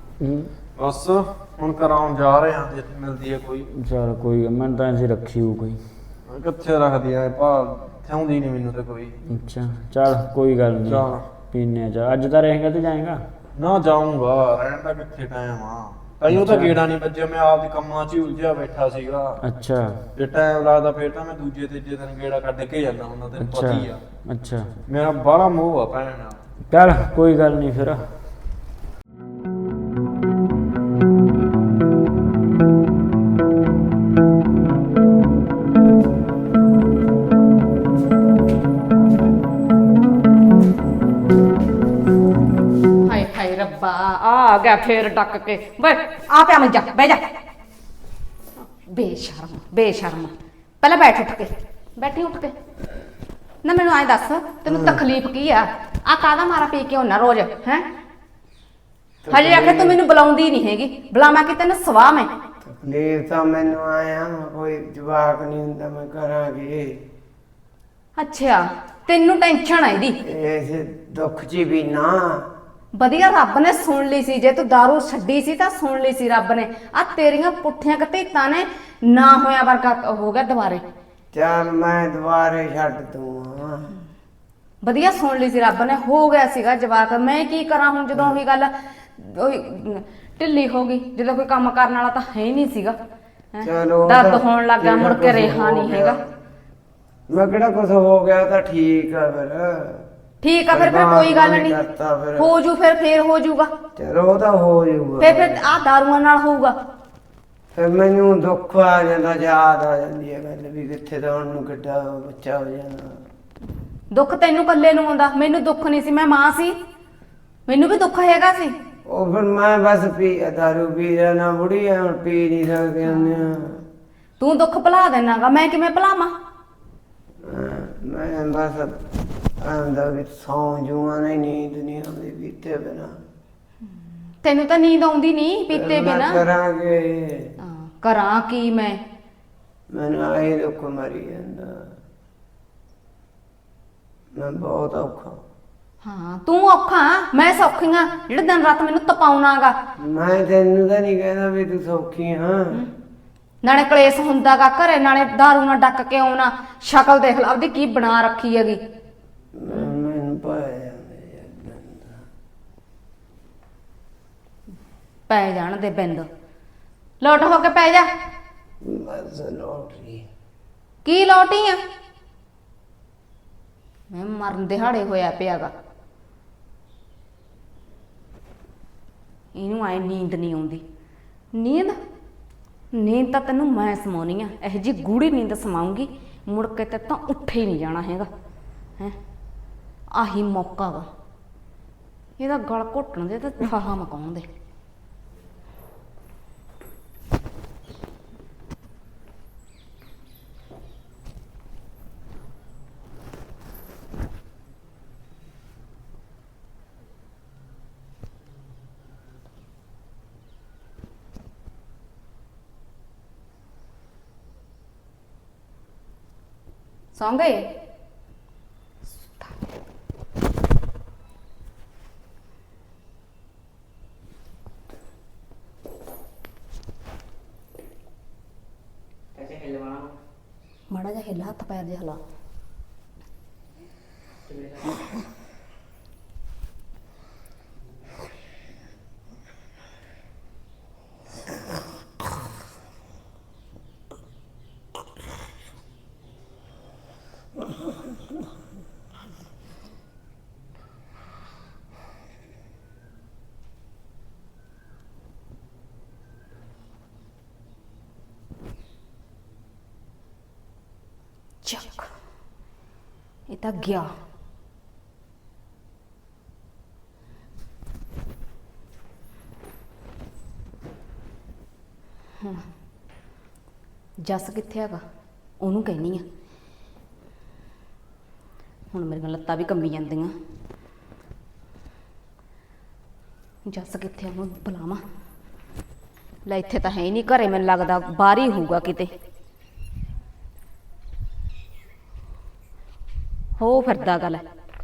Speaker 4: ਬਸ ਹੁਣ ਕਰਾਉਣ ਜਾ ਰਹੇ ਹਾਂ, ਜੇ ਮਿਲਦੀ ਹੈ ਕੋਈ।
Speaker 3: ਚੱਲ ਕੋਈ, ਮੈਨੂੰ ਤਾਂ ਐਸੀ ਰੱਖੀ ਹੋ ਕੋਈ।
Speaker 4: ਕਿੱਥੇ ਰੱਖਦੀ ਆ ਭਾ, ਥਿਆਉਂਦੀ ਨਹੀਂ ਮੈਨੂੰ ਤੇ ਕੋਈ।
Speaker 3: ਅੱਛਾ ਚੱਲ ਕੋਈ ਗੱਲ ਨਹੀਂ,
Speaker 4: ਚੱਲ
Speaker 3: ਪੀਨੇ ਆ। ਅੱਜ ਤਾਂ ਰਹੇਗਾ ਤੇ ਜਾਏਗਾ?
Speaker 4: ਨਾ ਜਾਊਂਗਾ, ਰਹਿਣ ਦਾ ਕਿੱਥੇ ਟਾਈਮ ਆ। ਕਈਓ ਤਾਂ ਗੇੜਾ ਨਹੀਂ ਵੱਜਿਆ, ਮੈਂ ਆਪਦੇ ਕੰਮਾਂ 'ਚ ਹੀ ਉਲਝਿਆ ਬੈਠਾ ਸੀਗਾ।
Speaker 3: ਅੱਛਾ
Speaker 4: ਜੇ ਟਾਈਮ ਲੱਗਦਾ ਫੇਰ ਤਾਂ ਮੈਂ ਦੂਜੇ ਤੀਜੇ ਦਿਨ ਗੇੜਾ ਕੱਢ ਕੇ ਜਾਂਦਾ ਹੁੰਦਾ, ਤੈਨੂੰ ਪਤਾ ਹੀ ਆ।
Speaker 3: ਅੱਛਾ
Speaker 4: ਮੇਰਾ ਬਾਹਲਾ ਮੋਹ ਆ ਭੈਣ ਨਾਲ।
Speaker 3: ਚੱਲ ਕੋਈ ਗੱਲ ਨਹੀਂ ਫਿਰ।
Speaker 2: ਹਾਏ ਹਾਏ ਰੱਬਾ, ਆ ਗਿਆ ਫੇਰ ਡੱਕ ਕੇ। ਬੈ ਆ ਪਿਆ ਮੰਜਾ, ਬਹਿ ਜਾ। ਬੇਸ਼ਰਮ ਬੇਸ਼ਰਮ, ਪਹਿਲਾਂ ਬੈਠ ਉੱਠ ਕੇ, ਬੈਠੀ ਉੱਠ ਕੇ। ਨਾ ਮੈਨੂੰ ਐਂ ਦੱਸ, ਤੈਨੂੰ ਤਕਲੀਫ ਕੀ ਆ? ਆ ਕਾਹਦਾ ਮਾਰਾ ਪੀ ਕੇ ਹੋਣਾ ਰੋਜ਼ ਹੈ? ਹਜੇ ਆਖੇ ਤੂੰ ਮੈਨੂੰ ਬੁਲਾਉਂਦੀ ਨਹੀਂ ਹੈਗੀ, ਬੁਲਾਵਾਂ ਕਿ ਤੈਨੂੰ ਸਵਾਹ ਮੈਂ?
Speaker 1: ਤਕਲੀਫ ਤਾਂ ਮੈਨੂੰ ਆਇਆ, ਕੋਈ ਜਵਾਕ ਨਹੀਂ ਹੁੰਦਾ, ਮੈਂ ਕਰਾਂਗੀ।
Speaker 2: ਅੱਛਾ ਤੈਨੂੰ ਟੈਨਸ਼ਨ ਆ ਇਹਦੀ?
Speaker 1: ਐਸੇ ਦੁੱਖ ਚ ਵੀ ਨਾ
Speaker 2: ਵਧੀਆ ਰੱਬ ਨੇ ਸੁਣ ਲਈ ਸੀ, ਜੇ ਤੂੰ ਦਾਰੂ ਛੱਡੀ ਸੀ ਤਾਂ ਸੁਣ ਲਈ ਸੀ ਰੱਬ ਨੇ। ਆ ਤੇਰੀਆਂ ਪੁੱਠੀਆਂ ਕਤੀਤਾਂ ਨੇ ਨਾ ਹੋਇਆ ਵਰਗਾ ਹੋ ਗਿਆ ਦੁਬਾਰੇ।
Speaker 1: ਚੱਲ ਮੈਂ ਦੁਬਾਰੇ ਛੱਡ ਦੂੰਗਾ।
Speaker 2: ਵਧੀਆ ਸੁਣ ਲਈ ਸੀ ਰੱਬ ਨੇ, ਹੋ ਗਿਆ ਸੀਗਾ ਜਵਾਕ। ਮੈਂ ਕੀ ਕਰਾਂ ਹੁਣ, ਜਦੋਂ ਉਹੀ ਗੱਲ ਉਹੀ ਢਿੱਲੀ ਹੋ ਗਈ, ਜਦੋਂ ਕੋਈ ਕੰਮ ਕਰਨ ਵਾਲਾ ਤਾਂ ਹੈ ਹੀ ਨਹੀਂ ਸੀਗਾ। ਹੈਂ?
Speaker 1: ਚਲੋ
Speaker 2: ਦਰਦ ਹੋਣ ਲੱਗ ਗਿਆ, ਮੁੜ ਕੇ ਰਿਹਾ ਨਹੀਂ ਹੈਗਾ।
Speaker 1: ਮੈਂ ਕਿਹੜਾ ਕੁਛ ਹੋ ਗਿਆ ਤਾਂ ਠੀਕ ਆ ਫਿਰ।
Speaker 2: ਠੀਕ ਆ ਫਿਰ ਕੋਈ ਗੱਲ ਨਹੀਂ,
Speaker 1: ਕਰਤਾ ਫਿਰ।
Speaker 2: ਹੋ ਜੂ ਫੇਰ ਹੋ ਜੂਗਾ।
Speaker 1: ਚਲੋ ਉਹ ਤਾਂ ਹੋ ਜਾਊਗਾ।
Speaker 2: ਫਿਰ ਆ ਦਾਰੂਆਂ ਨਾਲ ਹੋਊਗਾ।
Speaker 1: ਫਿਰ ਮੈਨੂੰ ਦੁੱਖ ਆ ਜਾਂਦਾ, ਯਾਦ ਆ ਜਾਂਦੀ ਹੈ ਗੱਲ ਵੀ ਕਿੱਥੇ ਤਾਂ ਹੁਣ ਨੂੰ ਕਿੱਡਾ ਬੱਚਾ ਹੋ ਜਾਣਾ।
Speaker 2: ਦੁੱਖ ਤੈਨੂੰ ਇਕੱਲੇ ਨੂੰ ਆਉਂਦਾ, ਮੈਨੂੰ ਦੁੱਖ ਨਹੀਂ ਸੀ, ਮੈਂ ਮਾਂ ਸੀ, ਮੈਨੂੰ ਵੀ ਦੁੱਖ ਹੈਗਾ ਸੀ।
Speaker 1: ਉਹ ਫਿਰ ਮੈਂ ਬਸ ਦਾਰੂ ਪੀ ਜਾਣਾ, ਬੁੜੀ ਆ, ਹੁਣ ਪੀ ਨਹੀਂ ਸਕਦੇ ਹੁੰਦੇ ਆ।
Speaker 2: ਤੂੰ ਦੁੱਖ ਭੁਲਾ ਦੇਣਾਗਾ, ਮੈਂ ਕਿਵੇਂ ਭੁਲਾਵਾਂ?
Speaker 1: ਮੈਂ ਬਸ ਆਂਦਾ ਵੀ ਸੌਂ ਜੂਆਂ ਨਹੀਂ, ਨੀਂਦ ਨਹੀਂ ਆਉਂਦੀ ਪੀਤੇ ਬਿਨਾ।
Speaker 2: ਤੈਨੂੰ ਤਾਂ ਨੀਂਦ ਆਉਂਦੀ ਨਹੀਂ ਪੀਤੇ ਬਿਨਾ?
Speaker 1: ਕਰਾਂਗੇ
Speaker 2: ਕਰਾਂ ਕੀ ਮੈਂ?
Speaker 1: ਮੈਨੂੰ ਆਏ ਦੁੱਖ ਮਰੀ ਜਾਂਦਾ, ਮੈਂ ਬਹੁਤ ਔਖਾ।
Speaker 2: ਹਾਂ ਤੂੰ ਔਖਾ ਮੈਂ ਸੌਖੀ ਆ ਜਿਹੜੇ ਦਿਨ ਰਾਤ ਮੈਨੂੰ ਤਪਾਉਣਾਗਾ।
Speaker 1: ਮੈਂ ਤੈਨੂੰ ਤਾਂ ਨਹੀਂ ਕਹਿੰਦਾ ਵੀ ਤੂੰ ਸੌਖੀ ਹਾਂ।
Speaker 2: ਨਾਲੇ ਕਲੇਸ਼ ਹੁੰਦਾਗਾ ਘਰੇ, ਨਾਲੇ ਦਾਰੂ ਨਾਲ ਡੱਕ ਕੇ ਆਉਣਾ। ਸ਼ਕਲ ਦੇਖ ਲਾ ਆਪਦੀ ਕੀ ਬਣਾ ਰੱਖੀ ਹੈਗੀ।
Speaker 1: ਮੈਨੂੰ ਪਾਇਆ
Speaker 2: ਪੈ ਜਾਣ ਦੇ ਬਿੰਦ, ਲੋਟ ਹੋ ਕੇ ਪੈ ਜਾ।
Speaker 1: ਬਸ ਲੋਟਰੀ
Speaker 2: ਕੀ ਲੋਟੀ ਆ? ਮੈਂ ਮਰਨ ਦਿਹਾੜੇ ਹੋਇਆ ਪਿਆਗਾ। ਇਹਨੂੰ ਆਏ ਨੀਂਦ ਨਹੀਂ ਆਉਂਦੀ। ਨੀਂਦ ਤਾਂ ਤੈਨੂੰ ਮੈਂ ਸਮਾਉਣੀ ਆ। ਇਹੋ ਜੀ ਗੂੜੀ ਨੀਂਦ ਸਮਾਉਂਗੀ, ਮੁੜ ਕੇ ਤੇ ਤਾਂ ਉੱਠੇ ਹੀ ਨਹੀਂ ਜਾਣਾ ਹੈਗਾ। ਹੈ ਆਹੀ ਮੌਕਾ ਵਾ ਇਹਦਾ ਗਲ ਘੁੱਟਣ ਦੇ ਤੇ ਫਾਹਾ ਮਕਾਉਣ ਦੇ। ਸੌਂ ਗਏ? ਮਾੜਾ ਜਿਹਾ ਹਿੱਲਾ, ਹੱਥ ਪੈਰ ਜਿਹਾ ਹਿਲਾ। ਚੱਕ, ਇਹ ਤਾਂ ਗਿਆ। ਹੁਣ ਜੱਸ ਕਿੱਥੇ ਹੈਗਾ? ਉਹਨੂੰ ਕਹਿਨੀ ਆ। ਹੁਣ ਮੇਰੀਆਂ ਲੱਤਾਂ ਵੀ ਕੰਬੀ ਜਾਂਦੀਆਂ। ਜੱਸ ਕਿੱਥੇ? ਉਹਨੂੰ ਬੁਲਾਵਾਂ। ਲੈ ਇੱਥੇ ਤਾਂ ਹੈ ਹੀ ਨਹੀਂ, ਘਰੇ ਮੈਨੂੰ ਲੱਗਦਾ ਬਾਹਰ ਹੀ ਹੋਊਗਾ ਕਿਤੇ। ਹੋ ਫਿਰਦਾ ਗੱਲ।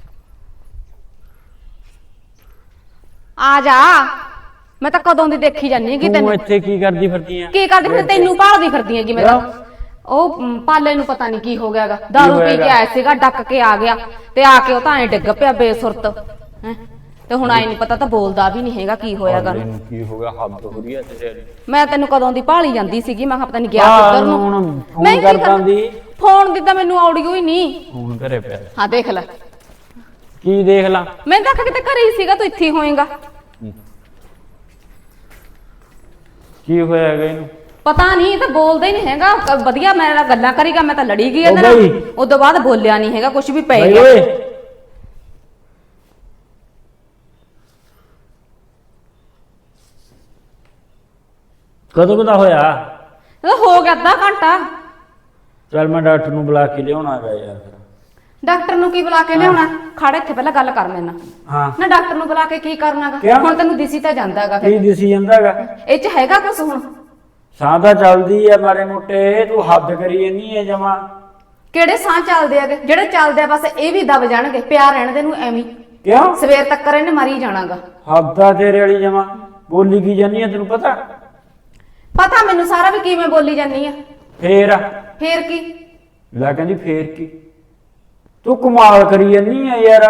Speaker 2: ਆ ਜਾ, ਮੈਂ ਤਾਂ ਕਦੋਂ ਦੀ ਦੇਖੀ ਜਾਨੀ ਹੈਗੀ
Speaker 3: ਤੂੰ
Speaker 2: ਤੈਨੂੰ।
Speaker 3: ਇੱਥੇ ਕੀ ਕਰਦੀ ਫਿਰਦੀ ਆ?
Speaker 2: ਕੀ ਕਰਦੀ ਫਿਰ? ਤੈਨੂੰ ਭਾਲਦੀ ਫਿਰਦੀ ਹੈਗੀ ਮੈਂ ਤਾਂ। ਉਹ ਪਾਲੇ ਨੂੰ ਪਤਾ ਨਹੀਂ ਕੀ ਹੋ ਗਿਆਗਾ, ਦਾਰੂ ਪੀ ਕੇ ਆਇਆ ਸੀਗਾ, ਡੱਕ ਕੇ ਆ ਗਿਆ ਤੇ ਆ ਕੇ ਉਹ ਤਾਂ ਐ ਡਿੱਗ ਪਿਆ ਬੇਸੁਰਤ। ਹੈ ਤੇ ਹੁਣ ਆਈ ਨਹੀਂ ਪਤਾ, ਤਾਂ ਬੋਲਦਾ ਵੀ ਨਹੀਂ ਹੈਗਾ ਕੀ ਹੋਇਆਗਾ।
Speaker 3: ਕੀ ਹੋ ਗਿਆ? ਹੱਦ ਹੋ ਰਹੀ ਹੈ ਤੇਰੇ।
Speaker 2: ਮੈਂ ਤੈਨੂੰ ਕਦੋਂ ਦੀ ਭਾਲੀ ਜਾਂਦੀ ਸੀਗੀ, ਮੈਂ ਕਿਹਾ ਪਤਾ ਨਹੀਂ ਗਿਆ ਕਿੱਧਰ ਨੂੰ।
Speaker 3: ਫੋਨ ਕਰਦਾ ਦੀ
Speaker 2: ਫੋਨ ਦੀ ਤਾਂ ਮੈਨੂੰ ਆਉੜੀਓ ਹੀ ਨਹੀਂ।
Speaker 3: ਫੋਨ ਘਰੇ ਪਿਆ।
Speaker 2: ਹਾਂ ਦੇਖ ਲੈ।
Speaker 3: ਕੀ ਦੇਖ ਲਾ?
Speaker 2: ਮੈਂ ਤਾਂ ਕਿਤੇ ਘਰੇ ਹੀ ਸੀਗਾ, ਤੂੰ ਇੱਥੇ ਹੀ ਹੋਏਗਾ।
Speaker 3: ਕੀ ਹੋਇਆ ਹੈਗਾ ਇਹਨੂੰ?
Speaker 2: ਪਤਾ ਨਹੀਂ, ਇਹ ਤਾਂ ਬੋਲਦਾ ਹੀ ਨਹੀਂ ਹੈਗਾ। ਵਧੀਆ ਮੇਰੇ ਨਾਲ ਗੱਲਾਂ ਕਰੀਗਾ, ਮੈਂ ਤਾਂ ਲੜੀ ਗਈ ਇਹਦੇ ਨਾਲ। ਉਸ ਤੋਂ ਬਾਅਦ ਬੋਲਿਆ ਨਹੀਂ ਹੈਗਾ, ਕੁਝ ਵੀ ਪੈ ਗਿਆ।
Speaker 3: ਕਦੋਂ ਦਾ ਹੋਇਆ?
Speaker 2: ਇਹ ਹੋ ਗਿਆ ਅੱਧਾ ਘੰਟਾ।
Speaker 3: ਚੱਲ ਮੈਂ ਡਾਕਟਰ ਨੂੰ ਬੁਲਾ ਕੇ ਲਿਆਉਣਾ ਹੈਗਾ ਯਾਰ।
Speaker 2: ਡਾਕਟਰ ਨੂੰ ਕੀ ਬੁਲਾ ਕੇ ਲਿਆਉਣਾ? ਖੜ ਇੱਥੇ ਪਹਿਲਾਂ ਗੱਲ ਕਰ ਮੇਰੇ ਨਾਲ।
Speaker 3: ਹਾਂ
Speaker 2: ਨਾ ਡਾਕਟਰ ਨੂੰ ਬੁਲਾ ਕੇ ਕੀ ਕਰਨਾਗਾ?
Speaker 3: ਕਿਉਂ?
Speaker 2: ਹੁਣ ਤੈਨੂੰ ਦਿਸੀ ਤਾਂ ਜਾਂਦਾਗਾ।
Speaker 3: ਕੀ ਦਿਸੀ ਜਾਂਦਾਗਾ?
Speaker 2: ਇਹ ਚ ਹੈਗਾ ਕੁਛ? ਹੁਣ
Speaker 3: ਸਾਹ ਤਾਂ ਚੱਲਦੀ ਆ ਮਾੜੇ ਮੋਟੇ, ਤੂੰ ਹੱਦ ਕਰੀ ਜਾਂਦੀ ਹੈ ਜਮਾ।
Speaker 2: ਕਿਹੜੇ ਸਾਹ ਚੱਲਦੇ ਆਗੇ? ਜਿਹੜੇ ਚੱਲਦੇ ਆ ਬਸ ਇਹ ਵੀ ਦਬ ਜਾਣਗੇ, ਪਿਆ ਰਹਿਣ ਦੇ ਨੂੰ ਐਵੇਂ।
Speaker 3: ਕਿਉਂ?
Speaker 2: ਸਵੇਰ ਤੱਕ ਇਹਨੇ ਮਰੀ ਜਾਣਾਗਾ।
Speaker 3: ਹੱਦ ਆ ਤੇਰੇ ਵਾਲੀ ਜਮਾ। ਬੋਲੀ ਕੀ ਜਾਂਦੀ ਆ ਤੈਨੂੰ ਪਤਾ?
Speaker 2: ਪਤਾ ਮੈਨੂੰ ਸਾਰਾ ਵੀ ਕਿਵੇਂ ਬੋਲੀ ਜਾਂਦੀ ਆ।
Speaker 3: ਫੇਰ
Speaker 2: ਕੀ?
Speaker 3: ਲੈ ਕਹਿੰਦੀ ਫੇਰ ਕੀ? ਤੂੰ ਕਮਾਲ ਕਰੀ ਜਾਂਦੀ ਆ ਯਾਰ।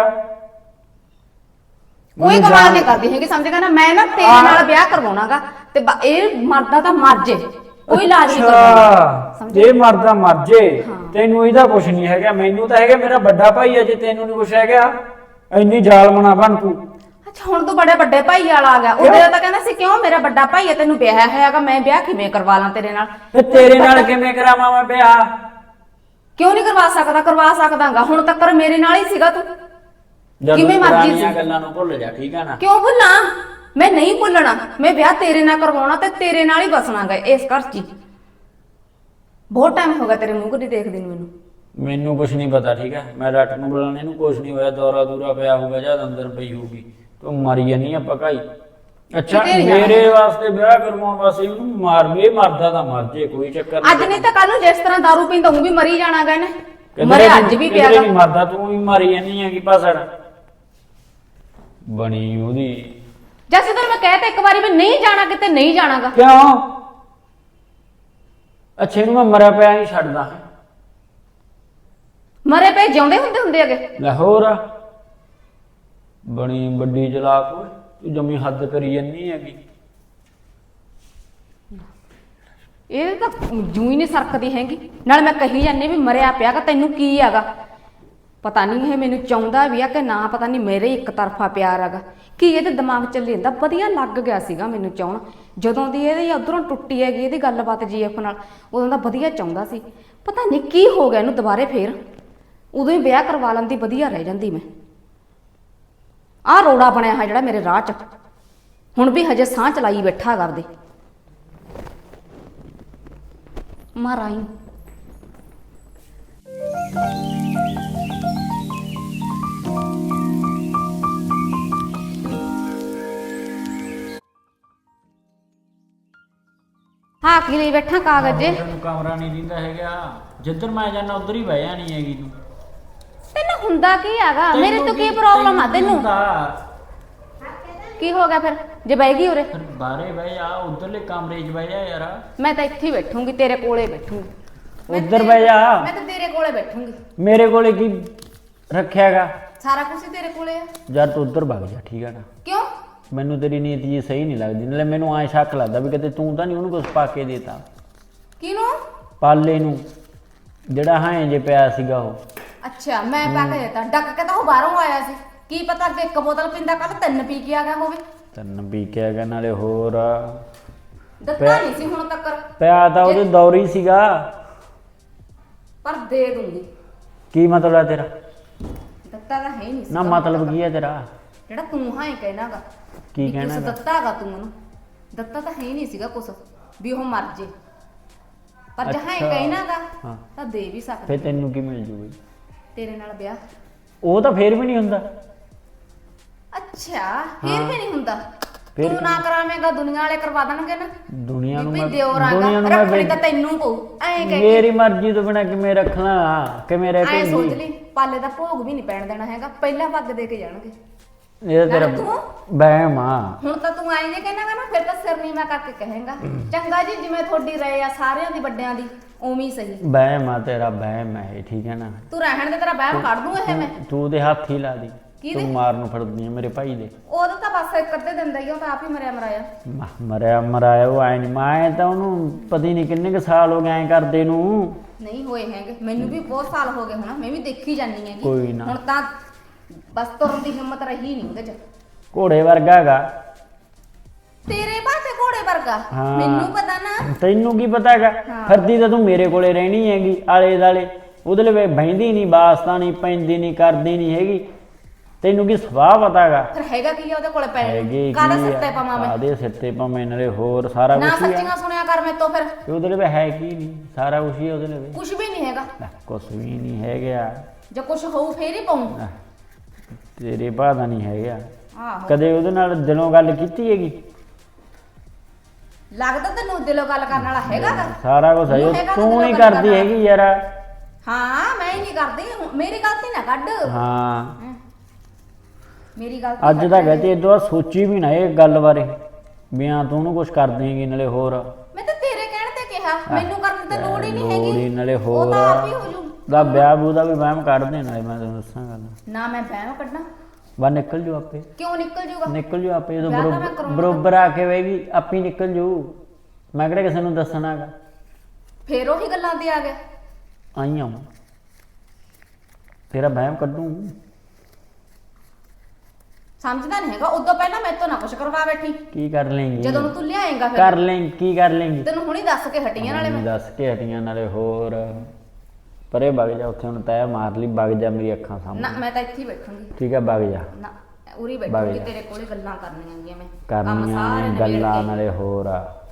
Speaker 2: ਕੋਈ ਕਮਾਲ ਨਹੀਂ ਕਰਦੀ ਹੈਗੀ, ਸਮਝ ਗਿਆ ਨਾ। ਮੈਂ ਨਾ ਤੇਰੇ ਨਾਲ ਵਿਆਹ ਕਰਵਾਉਣਾਗਾ ਤੇ ਇਹ ਮਰਦਾ ਤਾਂ ਮਰ ਜੇ, ਕੋਈ ਇਲਾਜ ਨਹੀਂ ਕਰਵਾਉਣਾ।
Speaker 3: ਜੇ ਮਰਦਾ ਮਰ ਜੇ, ਤੈਨੂੰ ਇਹਦਾ ਕੁਛ ਨਹੀਂ ਹੈਗਾ। ਮੈਨੂੰ ਤਾਂ ਹੈਗਾ, ਮੇਰਾ ਵੱਡਾ ਭਾਈ ਆ। ਜੇ ਤੈਨੂੰ ਨਹੀਂ ਕੁਛ ਹੈਗਾ, ਇੰਨੀ ਜ਼ਾਲਮਣਾ ਬਣ ਤੂੰ।
Speaker 2: ਅੱਛਾ ਹੁਣ ਤੂੰ ਬੜੇ ਵੱਡੇ ਭਾਈ ਵਾਲਾ ਆ ਗਿਆ। ਉਹਦੇ ਤਾਂ ਕਹਿੰਦਾ ਸੀ ਕਿਉਂ ਮੇਰਾ ਵੱਡਾ ਭਾਈ ਹੈ, ਤੈਨੂੰ ਵਿਆਹ ਹੈਗਾ, ਮੈਂ ਵਿਆਹ ਕਿਵੇਂ ਕਰਵਾ ਲਾਂ ਤੇਰੇ ਨਾਲ?
Speaker 3: ਤੇ ਤੇਰੇ ਨਾਲ ਕਿਵੇਂ ਕਰਾਵਾਂ ਮੈਂ ਵਿਆਹ?
Speaker 2: ਕਿਉਂ ਨਹੀਂ ਕਰਵਾ ਸਕਦਾ? ਕਰਵਾ ਸਕਦਾਗਾ। ਹੁਣ ਤੱਕ ਮੇਰੇ ਨਾਲ ਹੀ ਸੀਗਾ ਤੂੰ, ਕਿਵੇਂ ਮਰਜੀ ਸੀ।
Speaker 3: ਗੱਲਾਂ ਨੂੰ ਭੁੱਲ ਜਾ, ਠੀਕ ਆ ਨਾ?
Speaker 2: ਕਿਉਂ ਭੁੱਲਾਂ? ਮੈਂ ਨਹੀਂ ਭੁੱਲਣਾ। ਮੈਂ ਵਿਆਹ ਤੇਰੇ ਨਾਲ ਕਰਵਾਉਣਾ ਤੇ ਤੇਰੇ ਨਾਲ ਹੀ ਬਸਣਾਗਾ ਇਸ ਘਰ 'ਚ। ਬਹੁਤ ਟਾਈਮ ਹੋ ਗਿਆ ਤੇਰੇ ਮੂੰਹ ਕਦੀ ਦੇਖਦੀ ਨੂੰ।
Speaker 3: ਮੈਨੂੰ ਕੁਛ ਨਹੀਂ ਪਤਾ, ਠੀਕ ਹੈ? ਮੈਂ ਡਾਕਟਰ ਨੂੰ ਬੁਲਾਣੇ ਨੂੰ ਕੁਛ ਨਹੀਂ ਹੋਇਆ। ਦੌਰਾ ਦੂਰਾ ਪਿਆ ਹੋਊਗਾ, ਜਦ ਅੰਦਰ ਪਈ ਹੋਊਗੀ। ਤੂੰ ਮਰੀ ਜਾਨੀ ਆ ਪਕਾਈ। ਅੱਛਾ ਮੇਰੇ ਵਾਸਤੇ ਵਿਆਹ ਕਰਵਾਉਣ ਵਾਸਤੇ ਉਹਨੂੰ ਮਾਰ ਵੀ, ਮਰਦਾ ਤਾਂ ਮਰ ਜੇ, ਕੋਈ ਚੱਕਰ ਨਹੀਂ।
Speaker 2: ਅੱਜ ਨਹੀਂ ਤਾਂ ਕੱਲ ਨੂੰ ਜਿਸ ਤਰ੍ਹਾਂ ਦਾਰੂ ਪੀਂਦਾ ਉਹ ਵੀ ਮਰੀ ਜਾਣਾਗਾ ਇਹਨੇ। ਮਰੇ ਅੱਜ ਵੀ ਪਿਆਗਾ।
Speaker 3: ਨਹੀਂ ਮਰਦਾ, ਤੂੰ ਵੀ ਮਾਰੀ ਜਾਨੀ ਆ ਕੀ ਪਾਸੜ। ਬਣੀ ਉਹਦੀ।
Speaker 2: ਜਦ ਤੈਨੂੰ ਮੈਂ ਕਹਿ ਤਾ ਇੱਕ ਵਾਰੀ ਵੀ ਨਹੀਂ ਜਾਣਾ ਕਿਤੇ, ਨਹੀਂ ਜਾਣਾਗਾ।
Speaker 3: ਕਿਉਂ? ਅੱਛੇ ਨੂੰ ਮੈਂ ਮਰਿਆ ਪਿਆ ਨਹੀਂ ਛੱਡਦਾ।
Speaker 2: ਮਰੇ ਪਏ ਜਿਉਂਦੇ ਹੁੰਦੇ ਅਗੇ।
Speaker 3: ਲਾਹੌਰ ਬਣੀ ਵੱਡੀ ਚਲਾਕ ਓਏ, ਤੂੰ ਜਮੀ ਹੱਦ ਕਰੀ ਜੰਨੀ ਹੈਗੀ।
Speaker 2: ਇਹ ਤਾਂ ਜੂੰ ਹੀ ਨਹੀਂ ਸਰਕਦੀ ਹੈਗੀ। ਨਾਲ ਮੈਂ ਕਹੀ ਜਾਂਦੀ ਵੀ ਮਰਿਆ ਪਿਆਗਾ, ਤੈਨੂੰ ਕੀ ਹੈਗਾ? ਪਤਾ ਨਹੀਂ ਇਹ ਮੈਨੂੰ ਚਾਹੁੰਦਾ ਵੀ ਆ ਕਿ ਨਾ, ਪਤਾ ਨਹੀਂ ਮੇਰੇ ਇੱਕ ਤਰਫਾ ਪਿਆਰ ਹੈਗਾ ਕੀ ਇਹਦੇ ਦਿਮਾਗ ਚ ਲੈਂਦਾ। ਵਧੀਆ ਲੱਗ ਗਿਆ ਸੀਗਾ ਮੈਨੂੰ ਚਾਹਣ, ਜਦੋਂ ਦੀ ਇਹਦੀ ਉਧਰੋਂ ਟੁੱਟੀ ਹੈਗੀ ਇਹਦੀ ਗੱਲਬਾਤ ਜੀਐਫ ਨਾਲ, ਉਦੋਂ ਦਾ ਵਧੀਆ ਚਾਹੁੰਦਾ ਸੀ। ਪਤਾ ਨਹੀਂ ਕੀ ਹੋ ਗਿਆ ਇਹਨੂੰ ਦੁਬਾਰੇ ਫੇਰ। ਉਦੋਂ ਹੀ ਵਿਆਹ ਕਰਵਾ ਲੈਂਦੀ, ਵਧੀਆ ਰਹਿ ਜਾਂਦੀ ਮੈਂ। ਆਹ ਰੋੜਾ ਬਣਿਆ ਹੈ ਜਿਹੜਾ ਮੇਰੇ ਰਾਹ 'ਚ, ਹੁਣ ਵੀ ਹਜੇ ਸਾਹ ਚਲਾਈ ਬੈਠਾ ਕਰਦੇ ਮਾਰਾਈ। ਹਾਂ ਕੀ ਲਈ ਬੈਠਾ ਕਾਗਜ਼ ਜੇ?
Speaker 3: ਤੈਨੂੰ ਕਮਰਾ ਨਹੀਂ ਦਿੰਦਾ ਹੈਗਾ, ਜਿੱਧਰ ਮੈਂ ਜਾਣਾ ਉਧਰ ਹੀ ਬਹਿ ਜਾਣੀ ਹੈਗੀ ਤੂੰ।
Speaker 2: ਤੈਨੂੰ ਹੁੰਦਾ ਕੀ ਹੈਗਾ? ਮੇਰੇ ਤੋਂ ਕੀ ਪ੍ਰੋਬਲਮ ਆ ਤੈਨੂੰ? ਕੀ ਹੋ ਗਿਆ ਫਿਰ ਜੇ ਬਹਿ ਗਈ ਉਰੇ?
Speaker 3: ਫਿਰ ਬਾਹਰੇ ਬਹਿ ਜਾ, ਉਧਰਲੇ ਕਮਰੇ 'ਚ ਬਹਿ ਜਾ ਯਾਰ।
Speaker 2: ਮੈਂ ਤਾਂ ਇੱਥੇ ਹੀ ਬੈਠੂੰਗੀ, ਤੇਰੇ ਕੋਲੇ ਬੈਠੂੰਗੀ।
Speaker 3: ਉਧਰ ਬਹਿ ਜਾ।
Speaker 2: ਮੈਂ ਤਾਂ ਤੇਰੇ ਕੋਲੇ ਬੈਠੂੰਗੀ।
Speaker 3: ਮੇਰੇ ਕੋਲੇ ਕੀ ਰੱਖਿਆਗਾ?
Speaker 2: ਸਾਰਾ ਕੁਝ ਹੀ ਤੇਰੇ ਕੋਲੇ ਆ।
Speaker 3: ਯਾਰ ਤੂੰ ਉਧਰ ਵਗ ਜਾ, ਠੀਕ ਹੈ ਨਾ?
Speaker 2: ਕਿਉਂ?
Speaker 3: ਮੈਨੂੰ ਤੇਰੀ ਨੀਤ ਜੀ ਸਹੀ ਨਹੀਂ ਲੱਗਦੀ, ਨਾਲੇ ਮੈਨੂੰ ਐਂ ਸ਼ੱਕ ਲੱਗਦਾ ਵੀ ਕਿਤੇ ਤੂੰ ਤਾਂ ਨਹੀਂ ਉਹਨੂੰ ਕੁਝ ਪਾ ਕੇ ਦੇਤਾ।
Speaker 2: ਕਿਹਨੂੰ?
Speaker 3: ਪਾਲੇ ਨੂੰ, ਜਿਹੜਾ ਹਾਂ ਜੇ ਪਿਆ ਸੀਗਾ ਉਹ।
Speaker 2: ਅੱਛਾ ਮੈਂ ਪਾ ਕੇ ਦੇਤਾ? ਡੱਕ ਕੇ ਤਾਂ ਉਹ ਬਾਹਰੋਂ ਆਇਆ ਸੀ, ਕੀ ਪਤਾ ਅੱਗੇ ਇੱਕ ਬੋਤਲ ਪੀਂਦਾ, ਕੱਲ 3 ਪੀ ਕੇ ਆ ਗਿਆ ਹੋਵੇ।
Speaker 3: 3 ਪੀ ਕੇ ਆ ਗਿਆ, ਨਾਲੇ ਹੋਰ
Speaker 2: ਦਿੱਤਾ ਨਹੀਂ ਸੀ ਹੁਣ ਤੱਕ।
Speaker 3: ਪਿਆ ਤਾਂ ਉਹਦੇ ਦੌਰੀ ਸੀਗਾ।
Speaker 2: ਪਰ ਦੇ ਦੂੰਗੀ।
Speaker 3: ਕੀ ਮਤਲਬ ਹੈ ਤੇਰਾ?
Speaker 2: ਦਿੱਤਾ ਤਾਂ ਹੈ ਹੀ ਨਹੀਂ ਸੀ।
Speaker 3: ਨਾ ਮਤਲਬ ਕੀ ਹੈ ਤੇਰਾ?
Speaker 2: ਜਿਹੜਾ ਤੂੰ ਹਾਂ ਹੀ ਕਹਿਣਾਗਾ
Speaker 3: ਕੀ ਕਹਿਣਾ
Speaker 2: ਕੁਛ ਦਿੱਤਾਗਾ ਤੂੰ ਉਹਨੂੰ? ਦਿੱਤਾ ਤਾਂ ਹੈ ਹੀ ਨਹੀਂ ਸੀਗਾ ਕੁਛ ਵੀ ਉਹ ਮਰ ਜੇ, ਪਰ ਜਹਾਂ ਹੀ ਕਹਿਣਾਗਾ ਤਾਂ ਦੇ ਵੀ ਸਕਦਾ।
Speaker 3: ਫੇਰ ਤੈਨੂੰ ਕੀ ਮਿਲ ਜੂਗੀ?
Speaker 2: ਤੇਰੇ ਨਾਲ ਵਿਆਹ।
Speaker 3: ਉਹ ਤਾਂ ਫੇਰ ਵੀ ਨਹੀਂ ਹੁੰਦਾ।
Speaker 2: ਅੱਛਾ ਫੇਰ ਵੀ ਨਹੀਂ ਹੁੰਦਾ? ਤੂੰ ਨਾ ਕਰਾਵੇਂਗਾ, ਦੁਨੀਆ ਵਾਲੇ ਕਰਵਾ ਦੇਣਗੇ ਨਾ।
Speaker 3: ਦੁਨੀਆ ਨੂੰ
Speaker 2: ਵੀ
Speaker 3: ਮੈਂ
Speaker 2: ਦਿਓਰਾਂਗਾ ਰੱਖਣੀ ਤਾਂ ਤੈਨੂੰ ਪਊ। ਐਂ ਕਹਿ
Speaker 3: ਮੇਰੀ ਮਰਜ਼ੀ ਤੋਂ ਬਿਨਾ ਕਿਵੇਂ ਰੱਖਣਾ, ਕਿਵੇਂ ਰਹਿ
Speaker 2: ਐਂ ਸੋਚ
Speaker 3: ਪਈ?
Speaker 2: ਲਈ ਪਾਲੇ ਦਾ ਭੋਗ ਵੀ ਨਹੀਂ ਪੈਣ ਦੇਣਾ ਹੈਗਾ, ਪਹਿਲਾਂ ਪੱਗ ਦੇ ਕੇ ਜਾਣਗੇ।
Speaker 3: ਇਹ ਤੇਰਾ ਵਹਿਮ ਆ।
Speaker 2: ਹੁਣ ਤਾਂ ਤੂੰ ਆਈ ਜੇ ਕਹਿਣਾਗਾ ਨਾ, ਫਿਰ ਤਾਂ ਸਿਰ ਨੀਵਾਂ ਕਰਕੇ ਕਹੇਗਾ ਚੰਗਾ ਜੀ ਜਿਵੇਂ ਤੁਹਾਡੀ ਰਹੇ ਆ ਸਾਰਿਆਂ ਦੀ ਵੱਡਿਆਂ ਦੀ ਉਵੇਂ ਹੀ ਸਹੀ।
Speaker 3: ਵਹਿਮ ਆ ਤੇਰਾ, ਵਹਿਮ ਹੈ ਇਹ, ਠੀਕ ਹੈ ਨਾ?
Speaker 2: ਤੂੰ ਰਹਿਣ ਦੇ, ਤੇਰਾ ਵਹਿਮ ਕੱਢ ਦੂੰ ਇਹ ਮੈਂ।
Speaker 3: ਤੂੰ ਉਹਦੇ ਹੱਥ ਹੀ ਲਾ ਦੀ,
Speaker 2: ਕਿਹਦੇ?
Speaker 3: ਤੂੰ ਮਾਰ ਨੂੰ ਫੜਦੀ ਆ ਮੇਰੇ ਭਾਈ ਦੇ।
Speaker 2: ਉਹਦਾ ਤਾਂ ਬਸ ਇੱਕ ਅੱਧੇ ਦਿਨ ਦਾ ਹੀ, ਉਹ ਤਾਂ ਆਪ ਹੀ ਮਰਿਆ ਮਰਾਇਆ।
Speaker 3: ਮਰਿਆ ਮਰਾਇਆ ਉਹ ਐ ਨਹੀਂ, ਮੈਂ ਤਾਂ ਉਹਨੂੰ ਪਤਾ ਨਹੀਂ ਕਿੰਨੇ ਕੁ ਸਾਲ ਹੋ ਗਏ ਐਂ ਕਰਦੇ ਨੂੰ।
Speaker 2: ਨਹੀਂ ਹੋਏ ਹੈਗੇ, ਮੈਨੂੰ ਵੀ ਬਹੁਤ ਸਾਲ ਹੋ ਗਏ ਹੁਣ, ਮੈਂ ਵੀ ਦੇਖੀ ਜਾਂਦੀ ਹੈਗੀ।
Speaker 3: ਕੋਈ ਨਾ।
Speaker 2: ਹੁਣ ਤਾਂ ਬਸ ਤੁਰਨ ਦੀ ਹਿੰਮਤ ਰਹੀ ਨਹੀਂ ਉਹਦੇ ਚ।
Speaker 3: ਘੋੜੇ ਵਰਗਾ ਹੈਗਾ
Speaker 2: ਤੇਰੇ ਪਾਸੇ ਘੋੜੇ ਵਰਗਾ?
Speaker 3: ਹਾਂ।
Speaker 2: ਮੈਨੂੰ ਪਤਾ ਨਾ।
Speaker 3: ਤੈਨੂੰ ਕੀ ਪਤਾ ਹੈਗਾ? ਫਿਰਦੀ ਤਾਂ ਤੂੰ ਮੇਰੇ ਕੋਲੇ ਰਹਿਣੀ ਹੈਗੀ ਆਲੇ ਦਾਲੇ, ਉਹਦੇ ਲਈ ਬਹਿੰਦੀ ਨਹੀਂ, ਵਾਸਤਾ ਨਹੀਂ, ਪੈਂਦੀ ਨਹੀਂ, ਕਰਦੀ ਨਹੀਂ ਹੈਗੀ। ਤੈਨੂੰ ਕੀ ਸੁਭਾਅ ਪਤਾ ਹੈਗਾ?
Speaker 2: ਫਿਰ ਹੈਗਾ ਕੀ ਆ ਉਹਦੇ ਕੋਲੇ ਪੈਣ
Speaker 3: ਹੈਗੀ
Speaker 2: ਕਾਹਦਾ ਸਿੱਤੇ ਪਾਵਾਂ ਮੈਂ?
Speaker 3: ਕਾਹਦੇ ਸਿੱਤੇ ਪਾਵੇਂ, ਨਾਲੇ ਹੋਰ ਸਾਰਾ
Speaker 2: ਨਾ
Speaker 3: ਕੁਝ ਹੀ ਆ।
Speaker 2: ਸੱਚੀਆਂ ਸੁਣਿਆ ਕਰ ਮੇਰੇ ਤੋਂ ਫਿਰ।
Speaker 3: ਉਹਦੇ ਲਈ ਹੈ ਕੀ ਨਹੀਂ, ਸਾਰਾ ਕੁਝ ਹੀ ਉਹਦੇ ਲਈ।
Speaker 2: ਕੁਝ ਵੀ ਨਹੀਂ ਹੈਗਾ।
Speaker 3: ਕੁਝ ਵੀ ਨਹੀਂ ਹੈਗਾ।
Speaker 2: ਜੇ ਕੁਝ ਹੋਊ ਫੇਰ ਹੀ ਪਾਉਂ।
Speaker 3: ਤੇਰੇ ਭਾਅ ਦਾ ਨਹੀਂ ਹੈਗਾ।
Speaker 2: ਆਹੋ
Speaker 3: ਕਦੇ ਉਹਦੇ ਨਾਲ ਦਿਲੋਂ ਗੱਲ ਕੀਤੀ ਹੈਗੀ?
Speaker 2: ਲੱਗਦਾ ਤੈਨੂੰ ਦਿਲੋਂ ਗੱਲ ਕਰਨ ਵਾਲਾ ਹੈਗਾ ਗਾ?
Speaker 3: ਸਾਰਾ ਕੁਝ ਹੈ,
Speaker 2: ਤੂੰ ਹੈਗਾ ਤਾਂ
Speaker 3: ਤੂੰ
Speaker 2: ਦਿਲੋਂ
Speaker 3: ਨਹੀਂ
Speaker 2: ਗੱਲ
Speaker 3: ਕਰਦੀ
Speaker 2: ਕਰਨ
Speaker 3: ਹੈਗੀ ਯਾਰ।
Speaker 2: ਹਾਂ ਮੈਂ ਹੀ ਨਹੀਂ ਕਰਦੀ, ਮੇਰੀ ਗਲਤੀ ਨਾ ਕੱਢ।
Speaker 3: ਹਾਂ
Speaker 2: ਮੇਰੀ ਗਲਤੀ
Speaker 3: ਅੱਜ ਤਾਂ ਕਹਤੇ ਇਦੋਂ ਸੋਚੀ ਵੀ ਨਾ ਇਹ ਗੱਲ ਬਾਰੇ ਵੀ ਹਾਂ ਤੂੰ ਉਹਨੂੰ ਕੁਝ ਕਰ ਦੇਂਗੀ, ਨਾਲੇ ਹੋਰ
Speaker 2: ਮੈਂ ਤਾਂ ਤੇਰੇ ਕਹਿਣ ਤੇ ਕਿਹਾ, ਮੈਨੂੰ ਕਰਨ ਦੀ ਤਾਂ ਲੋੜ ਹੀ ਨਹੀਂ ਹੈਗੀ।
Speaker 3: ਲੋੜ ਹੀ, ਨਾਲੇ
Speaker 2: ਉਹ
Speaker 3: ਹੋਰ
Speaker 2: ਤਾਂ ਆਪ ਹੀ ਹੋ ਜੂ।
Speaker 3: ਦਾ ਵਿਆਹ ਬੂ ਦਾ ਵੀ ਵਹਿਮ ਕੱਢ ਦੇਣਾ, ਮੈਂ ਤੈਨੂੰ ਦੱਸਾਂ ਗੱਲ।
Speaker 2: ਨਾ ਮੈਂ ਵਹਿਮ ਕੱਢਣਾ?
Speaker 3: ਬਾ ਨਿਕਲ ਜੂ ਆਪੇ,
Speaker 2: ਕਿਉਂ ਨਿਕਲ ਜੂਗਾ?
Speaker 3: ਨਿਕਲ ਜੂ ਆਪੇ, ਜਦੋਂ
Speaker 2: ਵਿਆਹ ਤਾਂ ਮੈਂ ਕਰਾਉਣਾ।
Speaker 3: ਬਰੋਬਰ ਆ ਕੇ ਵੇਗੀ ਆਪੇ ਹੀ ਨਿਕਲ ਜੂ। ਮੈਂ ਕਿਹੜਾ ਕਿਸੇ ਨੂੰ ਦੱਸਣਾਗਾ।
Speaker 2: ਫੇਰ ਉਹੀ ਗੱਲਾਂ ਤੇ ਆ ਗਿਆ।
Speaker 3: ਆਈ ਆ ਤੇਰਾ ਵਹਿਮ ਕੱਢੂ।
Speaker 2: ਸਮਝਦਾ ਨਹੀਂ ਹੈਗਾ, ਉਦੋਂ ਪਹਿਲਾਂ ਮੇਰੇ ਤੋਂ ਨਾ ਕੁਛ ਕਰਵਾ ਬੈਠੀ।
Speaker 3: ਕੀ ਕਰ ਲੇਂਗੀ?
Speaker 2: ਜਦੋਂ ਨੂੰ ਤੂੰ ਲਿਆਏਂਗਾ ਫਿਰ
Speaker 3: ਕਰ ਲੈ, ਕੀ ਕਰ ਲੇਂਗੀ?
Speaker 2: ਤੈਨੂੰ ਹੁਣੀ ਦੱਸ ਕੇ ਹਟੀਆਂ ਨਾਲੇ ਮੈਂ।
Speaker 3: ਦੱਸ ਕੇ ਹਟੀਆਂ, ਨਾਲੇ ਹੋਰ ਪਰੇ ਵਗ ਜਾ, ਉੱਥੇ ਹੁਣ ਤੈਅ ਮਾਰ ਲਈ, ਵਗ ਜਾ ਮੇਰੀ ਅੱਖਾਂ
Speaker 2: ਨਾ
Speaker 3: ਸਾਹਮਣੇ।
Speaker 2: ਮੈਂ ਤਾਂ ਇੱਥੇ ਹੀ ਬੈਠੂੰਗੀ।
Speaker 3: ਠੀਕ ਹੈ ਵਗ ਜਾ।
Speaker 2: ਨਾ ਉਰੀ ਬੈਠੂੰਗੀ, ਤੇਰੇ ਕੋਲੇ ਗੱਲਾਂ ਕਰਨੀਆਂ ਗੀਆਂ ਮੈਂ।
Speaker 3: ਕਰਨੀਆਂ ਨੇ ਗੱਲਾਂ, ਨਾਲੇ ਹੋਰ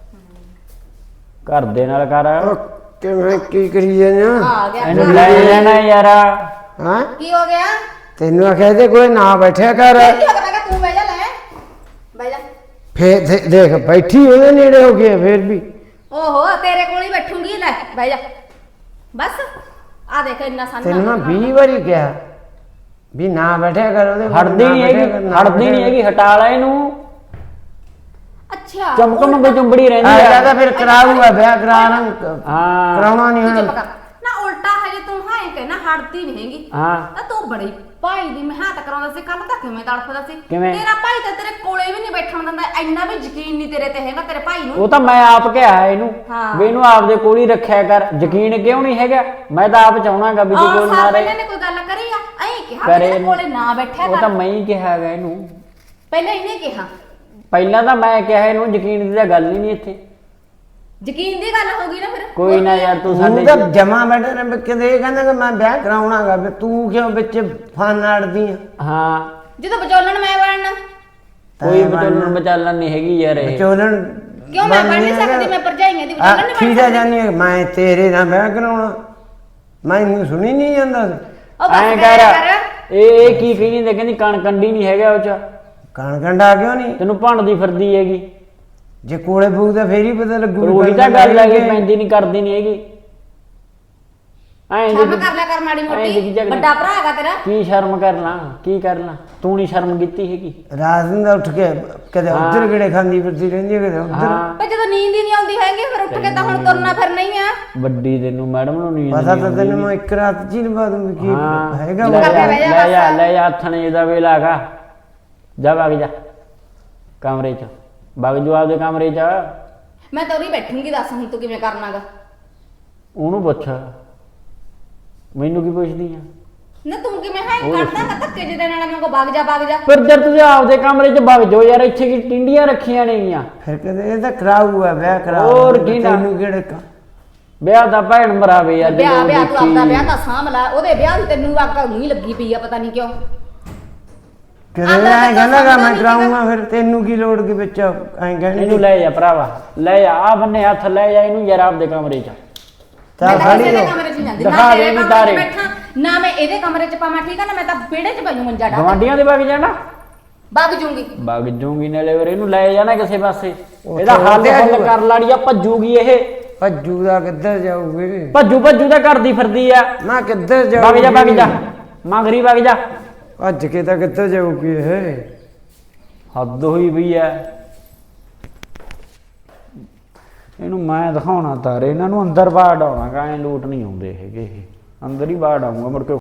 Speaker 3: ਘਰ ਦੇ ਨਾਲ ਕਰ।
Speaker 1: ਕਿਵੇਂ ਕੀ ਕਰੀ ਜਾਂਦੇ
Speaker 2: ਆ ਗਿਆ।
Speaker 3: ਇਹਨੂੰ ਲੈ ਜਾਣਾ ਯਾਰ।
Speaker 1: ਹਾਂ
Speaker 2: ਕੀ ਹੋ ਗਿਆ?
Speaker 1: ਤੈਨੂੰ ਆਖਿਆ ਤੇ ਕੋਈ ਨਾ ਬੈਠਿਆ ਕਰ।
Speaker 2: ਕੀ ਹੋ ਗਿਆ? ਮੈਂ ਕਿਹਾ ਤੂੰ ਬਹਿ ਜਾ, ਲੈ ਬਹਿ ਜਾ।
Speaker 1: ਫੇਰ ਦੇਖ ਬੈਠੀ ਉਹਦੇ ਨੇੜੇ ਹੋ ਗਈ ਫੇਰ ਵੀ।
Speaker 2: ਓਹੋ ਤੇਰੇ ਕੋਲ ਹੀ ਬੈਠੂੰਗੀ, ਲੈ ਬਹਿ ਜਾ ਬਸ। ਆ ਦੇਖ ਇੰਨਾ ਸਾਨਾ
Speaker 1: ਤੈਨੂੰ ਮੈਂ 20 ਵਾਰੀ ਕਿਹਾ ਵੀ ਨਾ ਬੈਠਿਆ ਕਰ ਉਹਦੇ ਕੋਲ,
Speaker 3: ਹਟਦੀ
Speaker 1: ਨਾ
Speaker 3: ਨਹੀਂ
Speaker 1: ਬੈਠਿਆ
Speaker 3: ਹੈਗੀ,
Speaker 1: ਕਰ, ਨਾ
Speaker 3: ਹਟਦੀ ਨਹੀਂ
Speaker 1: ਬੈਠਿਆ
Speaker 3: ਹੈਗੀ, ਹਟਾ ਲੈ ਇਹਨੂੰ।
Speaker 2: ਅੱਛਾ
Speaker 3: ਚਮਕ ਮੰਗੇ ਚੁੰਬੜੀ ਰਹਿੰਦੀ
Speaker 1: ਆ
Speaker 3: ਆ।
Speaker 1: ਜਿਆਦਾ ਫਿਰ ਕਰਾਊਗਾ ਵਿਆਹ ਕਰਾਣਾ
Speaker 3: ਹਾਂ
Speaker 1: ਕਰਾਉਣਾ ਨਹੀਂ
Speaker 2: ਤੂੰ
Speaker 1: ਹੁਣ।
Speaker 2: ਚੁੱਪ ਕਰ ਨਾ, ਉਲਟਾ ਹਜੇ ਤੂੰ ਹਾਂ ਕਹਿਣਾ ਹਟਦੀ ਨਹੀਂ ਹੈਗੀ।
Speaker 3: ਹਾਂ
Speaker 2: ਤਾਂ ਤੂੰ ਬੜੀ ਭਾਈ ਦੀ ਮਿਹਨਤ ਕਰਾਉਂਦਾ ਸੀ, ਕੱਲ ਤੱਕ ਕਿਵੇਂ ਤੜਫਦਾ ਸੀ।
Speaker 3: ਕਿਵੇਂ?
Speaker 2: ਤੇਰਾ ਭਾਈ ਤਾਂ ਤੇਰੇ ਕੋਲੇ ਵੀ ਨਹੀਂ ਬੈਠਣ ਦਿੰਦਾ, ਇੰਨਾ ਵੀ ਯਕੀਨ ਨਹੀਂ ਤੇਰੇ ਤੇ ਹੈਗਾ ਤੇਰੇ ਭਾਈ ਨੂੰ।
Speaker 3: ਉਹ ਤਾਂ ਮੈਂ ਆਪ ਕਿਹਾ ਇਹਨੂੰ
Speaker 2: ਹਾਂ।
Speaker 3: ਵੀ ਇਹਨੂੰ ਆਪਦੇ ਕੋਲ ਹੀ ਰੱਖਿਆ ਕਰ। ਯਕੀਨ ਕਿਉਂ ਨਹੀਂ ਹੈਗਾ? ਮੈਂ ਤਾਂ ਆਪ ਚਾਹਣਾਗਾ ਵੀ ਤੂੰ ਕੋਲ ਨਾ
Speaker 2: ਸਾਲ
Speaker 3: ਰਹੇ।
Speaker 2: ਪਹਿਲਾਂ ਨੇ ਕੋਈ ਗੱਲ ਕਰੀ ਆ ਐਂ ਕਿਹਾ ਵੀ
Speaker 3: ਕਰੇ
Speaker 2: ਤੇਰੇ ਕੋਲੇ ਨਾ ਬੈਠਿਆ
Speaker 3: ਉਹ ਤਾਂ
Speaker 2: ਕਰ।
Speaker 3: ਮੈਂ ਹੀ ਕਿਹਾ ਹੈਗਾ ਇਹਨੂੰ।
Speaker 2: ਪਹਿਲਾਂ ਇਹਨੇ ਕਿਹਾ,
Speaker 3: ਪਹਿਲਾਂ ਤਾਂ ਮੈਂ ਕਿਹਾ ਇਹਨੂੰ, ਯਕੀਨ ਦੀ ਤਾਂ ਗੱਲ ਹੀ ਨਹੀਂ ਇੱਥੇ।
Speaker 2: ਯਕੀਨ ਦੀ ਗੱਲ ਹੋ ਗਈ ਨਾ ਫਿਰ।
Speaker 3: ਕੋਈ ਨਾ ਯਾਰ, ਤੂੰ
Speaker 1: ਤੂੰ
Speaker 3: ਸਾਡੇ
Speaker 1: ਤਾਂ ਜਮਾ ਬੈਠੇ ਨੇ ਕਿਤੇ ਇਹ ਕਹਿੰਦਾ ਕਿ ਮੈਂ ਵਿਆਹ ਕਰਾਉਣਾਗਾ, ਵੀ ਤੂੰ ਕਿਉਂ ਵਿੱਚ ਫਨ ਅੜਦੀ ਆ?
Speaker 3: ਹਾਂ
Speaker 2: ਜਦੋਂ ਵਿਚੋਲਣ ਮੈਂ ਬਣਨਾ,
Speaker 3: ਕੋਈ ਵਿਚੋਲਣ ਵਿਚਾਲਣ ਨਹੀਂ ਹੈਗੀ ਯਾਰ ਇਹ।
Speaker 1: ਵਿਚੋਲਣ
Speaker 2: ਕਿਉਂ ਮੈਂ ਬਣ ਨਹੀਂ ਸਕਦੀ? ਮੈਂ ਭਰਜਾਈਆਂ ਦੀ ਵਿਚੋਲਣ ਨਹੀਂ ਬਣ
Speaker 1: ਠੀਕ ਹੈ
Speaker 2: ਸਕਦੀ।
Speaker 1: ਜਾਨੀ ਹੈ, ਮੈਂ ਤੇਰੇ ਨਾਲ ਵਿਆਹ ਕਰਾਉਣਾ, ਮੈਨੂੰ ਸੁਣੀ ਨਹੀਂ ਜਾਂਦਾ।
Speaker 2: ਉਹ ਬਸ
Speaker 3: ਐਂ
Speaker 2: ਕਰਿਆ
Speaker 3: ਕਰ, ਇਹ ਕੀ ਕਹੀ ਜਾਂਦੇ, ਕਹਿੰਦੀ ਕਣ ਕੰਡੀ ਨਹੀਂ ਹੈਗਾ ਉਹ ਚ।
Speaker 1: ਕਣ ਕੰਡਾ ਕਿਉਂ ਨਹੀਂ?
Speaker 3: ਤੈਨੂੰ ਭੰਡਦੀ ਫਿਰਦੀ ਹੈਗੀ।
Speaker 1: ਜੇ ਕੋਲੇ ਪਊ ਫੇਰ ਹੀ ਪਤਾ ਲੱਗੂ।
Speaker 3: ਪਰ ਉਹੀ ਤਾਂ ਗੱਲ ਹੈਗੀ, ਪੈਂਦੀ ਨਹੀਂ ਕਰਦੀ ਨਹੀਂ ਹੈਗੀ। ਐਂ
Speaker 2: ਸ਼ਰਮ ਕਰ ਲਿਆ ਕਰ ਮਾੜੀ
Speaker 3: ਐਂ
Speaker 2: ਮੋਟੀ,
Speaker 3: ਦੀ ਜਗ੍ਹਾ-
Speaker 2: ਵੱਡਾ ਭਰਾ ਹੈਗਾ ਤੇਰਾ।
Speaker 3: ਕੀ ਸ਼ਰਮ ਕਰਨਾ, ਕੀ ਕਰਨਾ? ਤੂੰ ਨਹੀਂ ਸ਼ਰਮ ਕੀਤੀ ਹੈਗੀ।
Speaker 1: ਰਾਤ ਨੂੰ ਤਾਂ ਉੱਠ ਕੇ ਕਦੇ ਉੱਧਰ ਕਿਹੜੇ ਖਾਂਦੀ ਫਿਰਦੀ ਰਹਿੰਦੀ ਹੈ, ਕਦੇ ਉੱਧਰ।
Speaker 3: ਹਾਂ
Speaker 2: ਪਰ ਜਦੋਂ ਨੀਂਦ ਹੀ ਨਹੀਂ ਆਉਂਦੀ ਹੈਗੀ ਫਿਰ ਉੱਠ ਕੇ ਤਾਂ ਹੁਣ ਤੁਰਨਾ ਫਿਰਨਾ ਹੀ ਆ।
Speaker 3: ਵੱਡੀ ਤੈਨੂੰ ਮੈਡਮ ਨੂੰ ਨਹੀਂ
Speaker 1: ਪਤਾ ਤਾਂ ਤੈਨੂੰ ਮੈਂ ਇੱਕ ਰਾਤ ਚ ਹੀ ਲਵਾ ਦੂੰਗੀ ਕੀ ਹੈਗਾ
Speaker 3: ਲੈ
Speaker 1: ਉਹ।
Speaker 3: ਜਾ,
Speaker 2: ਬਹਿ ਜਾ
Speaker 3: ਲੈ ਜਾ,
Speaker 2: ਬਸ।
Speaker 3: ਲੈ ਜਾ, ਹੱਥਣੇ ਦਾ ਵੇਲਾ ਹੈਗਾ। ਜਾ ਵਗ ਜਾ ਕਮਰੇ ਚ, ਵਗ ਜਾ ਆਪਦੇ ਕਮਰੇ ਚ।
Speaker 2: ਮੈਂ ਤਾਂ ਉਰੀ ਬੈਠੂੰਗੀ, ਦੱਸ ਹੁਣ ਤੂੰ ਕਿਵੇਂ ਕਰਨਾਗਾ?
Speaker 3: ਉਹਨੂੰ ਪੁੱਛ, ਮੈਨੂੰ ਕੀ ਪੁੱਛਦੀ ਆ?
Speaker 2: ਨਾ ਤੂੰ ਕਿਵੇਂ ਹਾਂ ਕਰਦਾ ਨਾ ਧੱਕੇ ਜਿਹਦੇ ਨਾਲ ਮੈਂ ਕੋ ਵਗ ਜਾ ਵਗ ਜਾ।
Speaker 3: ਫਿਰ ਜਦ ਤੁਸੀਂ ਆਪਦੇ ਕਮਰੇ ਚ ਵਗ ਜਾਓ ਯਾਰ, ਇੱਥੇ ਕੀ ਟਿੰਡੀਆਂ ਰੱਖੀਆਂ ਨੇਗੀਆਂ?
Speaker 1: ਫਿਰ ਕਦੇ ਇਹ ਤਾਂ ਕਰਾਊਗਾ ਵਿਆਹ ਕਰਾਊ।
Speaker 3: ਹੋਰ ਕੀ ਨਾ।
Speaker 1: ਤੈਨੂੰ ਕਿਹੜੇ
Speaker 3: ਵਿਆਹ ਦਾ ਭੈਣ ਮਰਾਵੇ ਯਾਰ।
Speaker 2: ਵਿਆਹ
Speaker 3: ਜਦੋਂ
Speaker 2: ਵਿਆਹ ਤੂੰ ਆਪਦਾ
Speaker 3: ਦੇਖੀ।
Speaker 2: ਵਿਆਹ ਤਾਂ ਸਾਂਭ ਲਾ, ਉਹਦੇ ਵਿਆਹ ਦੀ ਤੈਨੂੰ ਅੱਗ ਨਹੀਂ ਲੱਗੀ ਪਈ ਆ, ਪਤਾ ਨਹੀਂ ਕਿਉਂ।
Speaker 1: ਕਦੇ ਐਂ ਕਹਿੰਦਾਗਾ ਮੈਂ ਕਰਾਊਂਗਾ, ਫਿਰ ਤੈਨੂੰ ਕੀ ਲੋੜ ਕੀ ਵਿੱਚ ਐਂ ਕਹਿਣੀ?
Speaker 3: ਇਹਨੂੰ ਲੈ ਜਾ ਭਰਾਵਾ, ਲੈ ਜਾ, ਆ ਬੰਨੇ ਹੱਥ ਲੈ ਜਾ ਇਹਨੂੰ ਯਾਰ ਆਪਦੇ ਕਮਰੇ ਚ।
Speaker 1: ਚੱਲ
Speaker 2: ਮੈਂ ਤਾਂ
Speaker 1: ਖੜੀ
Speaker 2: ਕਿਸੇ ਦੇ
Speaker 1: ਹੋ।
Speaker 2: ਕਮਰੇ 'ਚ ਨਹੀਂ ਜਾਂਦੀ,
Speaker 3: ਦਿਖਾ
Speaker 2: ਨਾ
Speaker 3: ਦੇ
Speaker 2: ਤੇਰੇ
Speaker 3: ਇਹਨੂੰ
Speaker 2: ਕਮਰੇ 'ਚ
Speaker 3: ਤਾਰੇ।
Speaker 2: ਬੈਠਾ, ਨਾ ਮੈਂ ਇਹਦੇ ਕਮਰੇ 'ਚ ਪਾਵਾਂ, ਠੀਕ ਆ ਨਾ? ਮੈਂ ਤਾਂ ਵਿਹੜੇ 'ਚ ਪਈਆਂ ਮੰਜਾ ਡਾ
Speaker 3: ਗਵਾਂਡੀਆਂ ਦੇ ਵਗ ਜਾਣਾ,
Speaker 2: ਵਗ ਜੂੰਗੀ।
Speaker 3: ਵਗ ਜੂਗੀ ਨਾਲੇ ਫਿਰ ਇਹਨੂੰ ਲੈ ਜਾਣਾ ਕਿਸੇ ਪਾਸੇ।
Speaker 1: ਉੱਥੇ
Speaker 3: ਇਹਦਾ ਹੱਲ
Speaker 1: ਉੱਥੇ ਆ
Speaker 3: ਹੱਲ
Speaker 1: ਜਾਊਗਾ।
Speaker 3: ਕਰ ਲਾੜੀਆ, ਭੱਜੂਗੀ ਇਹ।
Speaker 1: ਭੱਜੂ ਦਾ ਕਿੱਧਰ ਜਾਊਗੇ?
Speaker 3: ਭੱਜੂ ਤਾਂ ਕਰਦੀ ਫਿਰਦੀ ਆ।
Speaker 1: ਨਾ ਕਿੱਧਰ
Speaker 3: ਵਗ
Speaker 1: ਜਾਊਗੀ?
Speaker 3: ਜਾ ਵਗ ਜਾ, ਮੰਗਰੀ ਵਗ ਜਾ।
Speaker 1: ਭੱਜ ਕੇ ਤਾਂ ਕਿੱਧਰ ਜਾਊਗੀ ਇਹ?
Speaker 3: ਹੱਦ ਹੋਈ ਪਈ ਐ। ਇਹਨੂੰ ਮੈਂ ਦਿਖਾਉਣਾ ਤਾਰੇ, ਇਹਨਾਂ ਨੂੰ ਅੰਦਰ ਬਾੜ ਆਉਣਾ, ਐਂ ਲੋਟ ਨਹੀਂ ਆਉਂਦੇ ਹੈਗੇ ਇਹ। ਅੰਦਰ ਹੀ ਬਾੜ ਆਉਂਗਾ ਮੁੜ ਕੇ।